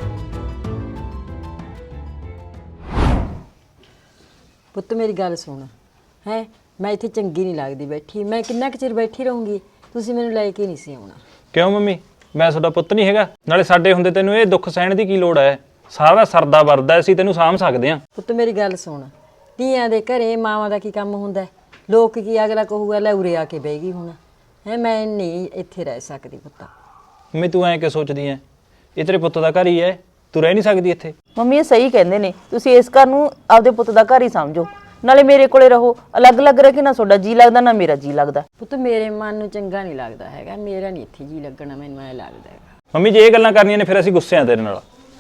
Speaker 3: ਪੁੱਤ ਮੇਰੀ ਗੱਲ ਸੁਣ ਹੈ, ਮੈਂ ਇੱਥੇ ਚੰਗੀ ਨਹੀਂ ਲੱਗਦੀ ਬੈਠੀ, ਮੈਂ ਕਿੰਨਾ ਕੁ ਚਿਰ ਬੈਠੀ ਰਹੂੰਗੀ, ਤੁਸੀਂ ਮੈਨੂੰ ਲੈ ਕੇ ਨਹੀਂ ਸੀ ਆਉਣਾ।
Speaker 2: ਕਿਉਂ ਮੰਮੀ, ਮੈਂ ਤੁਹਾਡਾ ਪੁੱਤ ਨਹੀਂ ਹੈਗਾ? ਨਾਲੇ ਸਾਡੇ ਹੁੰਦੇ ਤੈਨੂੰ ਇਹ ਦੁੱਖ ਸਹਿਣ ਦੀ ਕੀ ਲੋੜ ਹੈ? ਸਾਰਾ ਸਰਦਾ ਵਰਦਾ ਅਸੀਂ ਤੈਨੂੰ ਸਾਂਭ ਸਕਦੇ ਹਾਂ।
Speaker 3: ਪੁੱਤ ਮੇਰੀ ਗੱਲ ਸੁਣ, ਧੀਆਂ ਦੇ ਘਰੇ ਮਾਵਾਂ ਦਾ ਕੀ ਕੰਮ ਹੁੰਦਾ ਹੈ? ਲੋਕ ਕੀ ਅਗਲਾ ਕਹੂਗਾ ਲੈ ਉਰੇ ਆ ਕੇ ਬਹਿ ਗਈ ਹੁਣ ਹੈ, ਮੈਂ ਨਹੀਂ ਇੱਥੇ ਰਹਿ ਸਕਦੀ ਪੁੱਤ।
Speaker 2: ਮੰਮੀ ਤੂੰ ਐਂ ਕਿ ਸੋਚਦੀ ਐ? ਇਹ ਤੇਰੇ ਪੁੱਤ ਦਾ ਘਰ ਹੀ ਹੈ, ਤੂੰ ਰਹਿ ਨਹੀਂ ਸਕਦੀ ਇੱਥੇ?
Speaker 1: ਮੰਮੀ ਇਹ ਸਹੀ ਕਹਿੰਦੇ ਨੇ, ਤੁਸੀਂ ਇਸ ਘਰ ਨੂੰ ਆਪਦੇ ਪੁੱਤ ਦਾ ਘਰ ਹੀ ਸਮਝੋ, ਨਾਲੇ ਮੇਰੇ ਕੋਲੇ ਰਹੋ। ਅਲੱਗ-ਅਲੱਗ ਰਹਿ ਕੇ ਨਾ ਤੁਹਾਡਾ ਜੀ ਲੱਗਦਾ ਨਾ ਮੇਰਾ ਜੀ ਲੱਗਦਾ।
Speaker 3: ਪੁੱਤ ਮੇਰੇ ਮਨ ਨੂੰ ਚੰਗਾ ਨਹੀਂ ਲੱਗਦਾ ਹੈਗਾ, ਮੇਰਾ ਨਹੀਂ ਇੱਥੇ ਜੀ ਲੱਗਣਾ, ਮੈਨੂੰ ਐ ਲੱਗਦਾ ਹੈਗਾ।
Speaker 2: ਮੰਮੀ ਜੇ ਇਹ ਗੱਲਾਂ ਕਰਨੀਆਂ ਨੇ ਫਿਰ ਅਸੀਂ ਗੁੱਸੇ ਆ ਤੇਰੇ ਨਾਲ।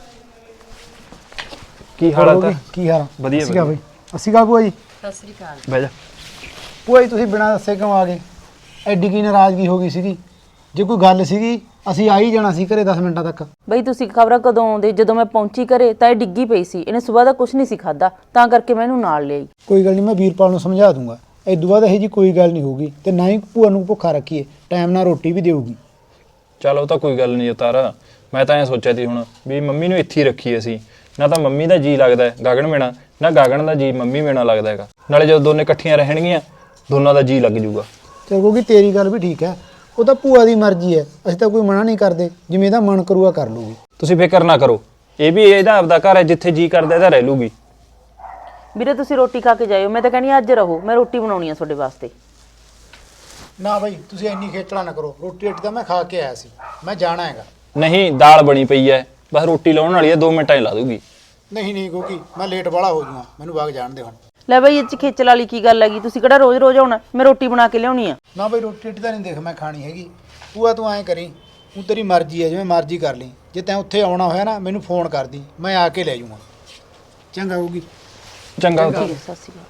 Speaker 2: ਕੀ ਹਾਲਤ ਹੈ?
Speaker 5: ਕੀ ਹਾਲ?
Speaker 2: ਵਧੀਆ
Speaker 5: ਵਧੀਆ ਬਈ। ਅਸੀਂ ਕਾ ਭੂਆ ਜੀ?
Speaker 3: ਸਤਿ ਸ੍ਰੀ ਅਕਾਲ।
Speaker 2: ਬਹਿ ਜਾ।
Speaker 5: ਭੂਆ ਜੀ ਤੁਸੀਂ ਬਿਨਾਂ ਦੱਸੇ ਕਿਉਂ ਆ ਗਏ? ਐਡੀ ਕੀ ਨਾਰਾਜ਼ਗੀ ਹੋ ਗਈ ਸੀਗੀ? ਜੇ ਕੋਈ ਗੱਲ ਸੀਗੀ ਅਸੀਂ ਆ ਹੀ ਜਾਣਾ ਸੀ ਘਰੇ ਦਸ ਮਿੰਟਾਂ ਤੱਕ।
Speaker 1: ਬਈ ਤੁਸੀਂ ਖਬਰਾਂ ਕਦੋਂ ਆਉਂਦੇ? ਜਦੋਂ ਮੈਂ ਪਹੁੰਚੀ ਘਰੇ ਤਾਂ ਇਹ ਡਿੱਗੀ ਪਈ ਸੀ, ਇਹਨੇ ਸਵੇਰ ਦਾ ਕੁਝ ਨਹੀਂ ਸੀ ਖਾਦਾ, ਤਾਂ ਕਰਕੇ ਮੈਂ ਇਹਨੂੰ ਨਾਲ ਲਿਆਈ।
Speaker 5: ਕੋਈ ਗੱਲ ਨਹੀਂ, ਮੈਂ ਵੀਰਪਾਲ ਨੂੰ ਸਮਝਾ ਦੂੰਗਾ। ਇਦੋਂ ਬਾਅਦ ਇਹੋ ਜੀ ਕੋਈ ਗੱਲ ਨਹੀਂ ਹੋਊਗੀ, ਤੇ ਨਾ ਹੀ ਭੂਆ ਨੂੰ ਭੁੱਖਾ ਰੱਖੀਏ, ਟਾਈਮ ਨਾਲ ਰੋਟੀ ਵੀ ਦੇਊਗੀ।
Speaker 2: ਚਲ ਉਹ ਤਾਂ ਕੋਈ ਗੱਲ ਨਹੀਂ ਉਤਾਰ, ਮੈਂ ਤਾਂ ਐਂ ਸੋਚਿਆ ਸੀ ਹੁਣ ਵੀ ਮੰਮੀ ਨੂੰ ਇੱਥੇ ਹੀ ਰੱਖੀ ਅਸੀਂ, ਨਾ ਤਾਂ ਮੰਮੀ ਦਾ ਜੀ ਲੱਗਦਾ ਗਗਨ ਬਿਨਾਂ, ਨਾ ਗਗਨ ਦਾ ਜੀ ਮੰਮੀ ਬਿਨਾਂ ਲੱਗਦਾ ਹੈਗਾ। ਨਾਲੇ ਜਦੋਂ ਦੋਨੇ ਇਕੱਠੀਆਂ ਰਹਿਣਗੀਆਂ ਦੋਨਾਂ ਦਾ ਜੀ ਲੱਗ ਜੂਗਾ।
Speaker 5: ਚਲ ਕਿਉਂਕਿ ਤੇਰੀ ਗੱਲ ਵੀ ਠੀਕ ਹੈ, ਉਹ ਤਾਂ ਭੂਆ ਦੀ ਮਰਜ਼ੀ ਹੈ, ਅਸੀਂ ਤਾਂ ਕੋਈ ਮਨਾ ਨਹੀਂ ਕਰਦੇ, ਜਿਵੇਂ ਇਹਦਾ ਮਨ ਕਰੂਗਾ ਕਰ ਲੂਗੀ।
Speaker 2: ਤੁਸੀਂ ਫਿਕਰ ਨਾ ਕਰੋ, ਇਹ ਵੀ ਇਹਦਾ ਆਪਦਾ ਘਰ ਹੈ, ਜਿੱਥੇ ਜੀ ਕਰਦਾ ਇਹਦਾ ਰਹਿ ਲੂਗੀ।
Speaker 1: ਵੀਰੇ ਤੁਸੀਂ ਰੋਟੀ ਖਾ ਕੇ ਜਾਇਓ, ਮੈਂ ਤਾਂ ਕਹਿੰਦੀ ਅੱਜ ਰਹੋ, ਮੈਂ ਰੋਟੀ ਬਣਾਉਣੀ ਆ ਤੁਹਾਡੇ ਵਾਸਤੇ।
Speaker 5: ਨਾ ਬਾਈ ਤੁਸੀਂ ਇੰਨੀ ਖੇਚਲਾ ਨਾ ਕਰੋ, ਰੋਟੀ ਰੋਟੀ ਤਾਂ ਮੈਂ ਖਾ ਕੇ ਆਇਆ ਸੀ, ਮੈਂ ਜਾਣਾ ਹੈਗਾ।
Speaker 2: ਨਹੀਂ ਦਾਲ ਬਣੀ ਪਈ ਹੈ, ਬਸ ਰੋਟੀ ਲਾਉਣ ਵਾਲੀ ਹੈ, ਦੋ ਮਿੰਟਾਂ 'ਚ ਲਾ ਦੂਗੀ।
Speaker 5: ਨਹੀਂ ਨਹੀਂ ਕਿਉਂਕਿ ਮੈਂ ਲੇਟ ਵਾਲਾ ਹੋ ਜਾਊਗਾ, ਮੈਨੂੰ ਵਗ ਜਾਣ ਦੇ ਹੁਣ।
Speaker 1: ਲੈ ਬਈ ਇਹ ਚ ਖੇਚਲ ਵਾਲੀ ਕੀ ਗੱਲ ਹੈਗੀ? ਤੁਸੀਂ ਕਿਹੜਾ ਰੋਜ਼-ਰੋਜ਼ ਆਉਣਾ? ਮੈਂ ਰੋਟੀ ਬਣਾ ਕੇ ਲਿਆਉਣੀ ਆ।
Speaker 5: ਨਾ ਬਾਈ ਰੋਟੀ ਰੋਟੀ ਤਾਂ ਨਹੀਂ ਦੇਖ ਮੈਂ ਖਾਣੀ ਹੈਗੀ। ਭੂਆ ਤੂੰ ਐਂ ਕਰੀ, ਤੂੰ ਤੇਰੀ ਮਰਜ਼ੀ ਹੈ, ਜਿਵੇਂ ਮਰਜ਼ੀ ਕਰ ਲਈ। ਜੇ ਤੈਂ ਉੱਥੇ ਆਉਣਾ ਹੋਇਆ ਨਾ ਮੈਨੂੰ ਫੋਨ ਕਰ ਦੀ, ਮੈਂ ਆ ਕੇ ਲੈ ਜਾਊਂਗਾ। ਚੰਗਾ ਹੋਊਗੀ।
Speaker 2: ਚੰਗਾ
Speaker 1: ਸਤਿ ਸ਼੍ਰੀ ਅਕਾਲ।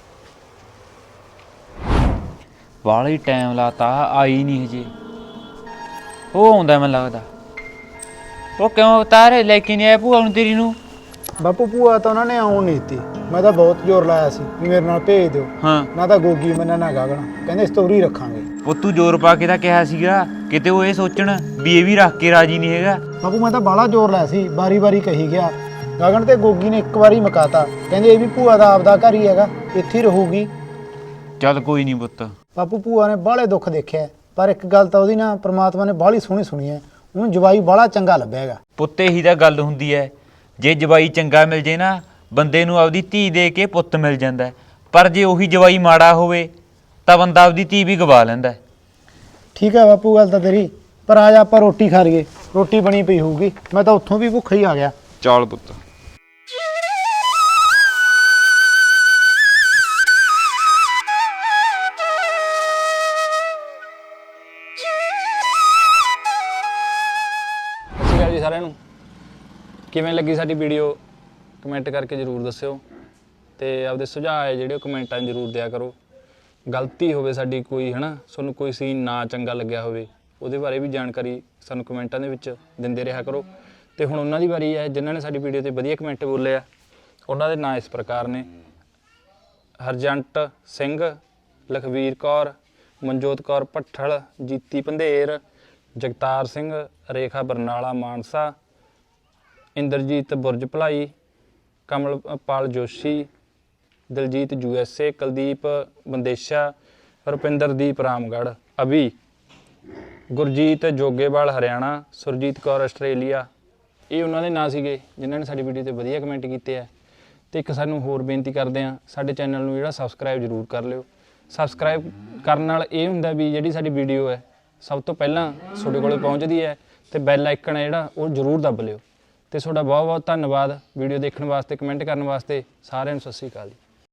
Speaker 8: ਵਾਲਾ ਹੀ ਟਾਈਮ ਲਾਤਾ, ਆਈ ਨਹੀਂ ਹਜੇ। ਉਹ ਆਉਂਦਾ ਮੈਨੂੰ ਲੱਗਦਾ। ਉਹ ਕਿਉਂ ਉਤਾਰੇ ਲੈ ਕੇ ਨਹੀਂ ਆਇਆ ਭੂਆ ਨੂੰ ਤੇਰੀ ਨੂੰ?
Speaker 5: ਬਾਪੂ ਭੂਆ ਤਾਂ ਉਹਨਾਂ ਨੇ ਆਉਣ ਨਹੀਂ ਦਿੱਤੀ, ਮੈਂ ਤਾਂ ਬਹੁਤ ਜ਼ੋਰ ਲਾਇਆ ਸੀ ਵੀ ਮੇਰੇ ਨਾਲ ਭੇਜ ਦਿਓ।
Speaker 8: ਹਾਂ
Speaker 5: ਨਾ ਤਾਂ ਗੋਗੀ ਮੰਨਣਾ ਨਾ ਗਾਗਣਾ, ਕਹਿੰਦੇ ਸਟੋਰੀ ਰੱਖਾਂਗੇ।
Speaker 8: ਉਹ ਤੂੰ ਜ਼ੋਰ ਪਾ ਕੇ ਤਾਂ ਕਿਹਾ ਸੀਗਾ, ਕਿਤੇ ਉਹ ਇਹ ਸੋਚਣ ਵੀ ਇਹ ਵੀ ਰੱਖ ਕੇ ਰਾਜੀ ਨਹੀਂ ਹੈਗਾ।
Speaker 5: ਬਾਪੂ ਮੈਂ ਤਾਂ ਬਾਹਲਾ ਜ਼ੋਰ ਲਾਇਆ ਸੀ, ਵਾਰੀ ਵਾਰੀ ਕਹੀ ਗਿਆ। ਗਗਨ ਤੇ ਗੋਗੀ ਨੇ ਇੱਕ ਵਾਰੀ ਮਕਾਤਾ, ਕਹਿੰਦੇ ਇਹ ਵੀ ਭੂਆ ਦਾ ਆਪਦਾ ਘਰ ਹੀ ਹੈਗਾ, ਇੱਥੇ ਹੀ ਰਹੂਗੀ।
Speaker 8: ਚੱਲ ਕੋਈ ਨਹੀਂ ਪੁੱਤ।
Speaker 5: ਬਾਪੂ ਭੂਆ ਨੇ ਬਾਹਲੇ ਦੁੱਖ ਦੇਖਿਆ, ਪਰ ਇੱਕ ਗੱਲ ਤਾਂ ਉਹਦੀ ਨਾ ਪ੍ਰਮਾਤਮਾ ਨੇ ਬਾਹਲੀ ਸੋਹਣੀ ਸੁਣੀ ਹੈ, ਉਹਨੂੰ ਜਵਾਈ ਬਾਹਲਾ ਚੰਗਾ ਲੱਭਿਆ ਹੈਗਾ।
Speaker 8: ਪੁੱਤ ਇਹੀ ਤਾਂ ਗੱਲ ਹੁੰਦੀ ਹੈ, ਜੇ ਜਵਾਈ ਚੰਗਾ ਮਿਲ ਜੇ ਨਾ ਬੰਦੇ ਨੂੰ ਆਪਦੀ ਧੀ ਦੇ ਕੇ ਪੁੱਤ ਮਿਲ ਜਾਂਦਾ, ਪਰ ਜੇ ਉਹੀ ਜਵਾਈ ਮਾੜਾ ਹੋਵੇ ਤਾਂ ਬੰਦਾ ਆਪਦੀ ਧੀ ਵੀ ਗਵਾ ਲੈਂਦਾ।
Speaker 5: ਠੀਕ ਹੈ ਬਾਪੂ ਗੱਲ ਤਾਂ ਤੇਰੀ, ਪਰ ਆ ਜਾ ਆਪਾਂ ਰੋਟੀ ਖਾ ਲਈਏ, ਰੋਟੀ ਬਣੀ ਪਈ ਹੋਊਗੀ, ਮੈਂ ਤਾਂ ਉੱਥੋਂ ਵੀ ਭੁੱਖਾ ਹੀ ਆ ਗਿਆ।
Speaker 8: ਚੱਲ ਪੁੱਤ।
Speaker 2: ਸਤਿ ਸ਼੍ਰੀ ਅਕਾਲ ਜੀ ਸਾਰਿਆਂ ਨੂੰ। ਕਿਵੇਂ ਲੱਗੀ ਸਾਡੀ ਵੀਡੀਓ ਕਮੈਂਟ ਕਰਕੇ ਜ਼ਰੂਰ ਦੱਸਿਓ, ਤੇ ਆਪਦੇ ਸੁਝਾਅ ਹੈ ਜਿਹੜੇ ਕਮੈਂਟਾਂ 'ਚ ਜ਼ਰੂਰ ਦਿਆ ਕਰੋ। ਗਲਤੀ ਹੋਵੇ ਸਾਡੀ ਕੋਈ ਹੈ ਨਾ, ਤੁਹਾਨੂੰ ਕੋਈ ਸੀਨ ਨਾ ਚੰਗਾ ਲੱਗਿਆ ਹੋਵੇ, ਉਹਦੇ ਬਾਰੇ ਵੀ ਜਾਣਕਾਰੀ ਸਾਨੂੰ ਕਮੈਂਟਾਂ ਦੇ ਵਿੱਚ ਦਿੰਦੇ ਰਿਹਾ ਕਰੋ। ਤੇ ਹੁਣ ਉਹਨਾਂ ਦੀ ਵਾਰੀ ਹੈ ਜਿਨ੍ਹਾਂ ਨੇ ਸਾਡੀ ਵੀਡੀਓ ਤੇ ਵਧੀਆ ਕਮੈਂਟ ਬੋਲੇ ਆ। ਉਹਨਾਂ ਦੇ ਨਾਂ ਇਸ ਪ੍ਰਕਾਰ ਨੇ: ਹਰਜੰਟ ਸਿੰਘ, ਲਖਵੀਰ ਕੌਰ, ਮਨਜੋਤ ਕੌਰ ਭੱਠਲ, ਜੀਤੀ ਪੰਧੇਰ, ਜਗਤਾਰ ਸਿੰਘ, ਰੇਖਾ Barnala Mansa, Inderjit Burj Bhalai, Kamalpal Joshi, Daljit U S A, Kuldeep Bandesha, Rupinderdeep Ramgarh, Abhi, Gurjeet Jogewal Haryana, Surjit Kaur Australia. ਇਹ ਉਹਨਾਂ ਦੇ ਨਾਂ ਸੀਗੇ ਜਿਨ੍ਹਾਂ ਨੇ ਸਾਡੀ ਵੀਡੀਓ ਤੇ ਵਧੀਆ ਕਮੈਂਟ ਕੀਤੇ ਆ। ਤੇ ਇੱਕ ਸਾਨੂੰ ਹੋਰ ਬੇਨਤੀ ਕਰਦੇ ਹਾਂ, ਸਾਡੇ ਚੈਨਲ ਨੂੰ ਜਿਹੜਾ ਸਬਸਕ੍ਰਾਈਬ ਜ਼ਰੂਰ ਕਰ ਲਿਓ। ਸਬਸਕ੍ਰਾਈਬ ਕਰਨ ਨਾਲ ਇਹ ਹੁੰਦਾ ਵੀ ਜਿਹੜੀ ਸਾਡੀ ਵੀਡੀਓ ਹੈ ਸਭ ਤੋਂ ਪਹਿਲਾਂ ਤੁਹਾਡੇ ਕੋਲ ਪਹੁੰਚਦੀ ਹੈ, ਤੇ ਬੈਲ ਆਈਕਨ ਹੈ ਜਿਹੜਾ ਉਹ ਜ਼ਰੂਰ ਦੱਬ ਲਿਓ। ਤੇ ਤੁਹਾਡਾ ਬਹੁਤ ਬਹੁਤ ਧੰਨਵਾਦ ਵੀਡੀਓ ਦੇਖਣ ਵਾਸਤੇ, ਕਮੈਂਟ ਕਰਨ ਵਾਸਤੇ। ਸਾਰਿਆਂ ਨੂੰ ਸਤਿ ਸ਼੍ਰੀ ਅਕਾਲ ਜੀ।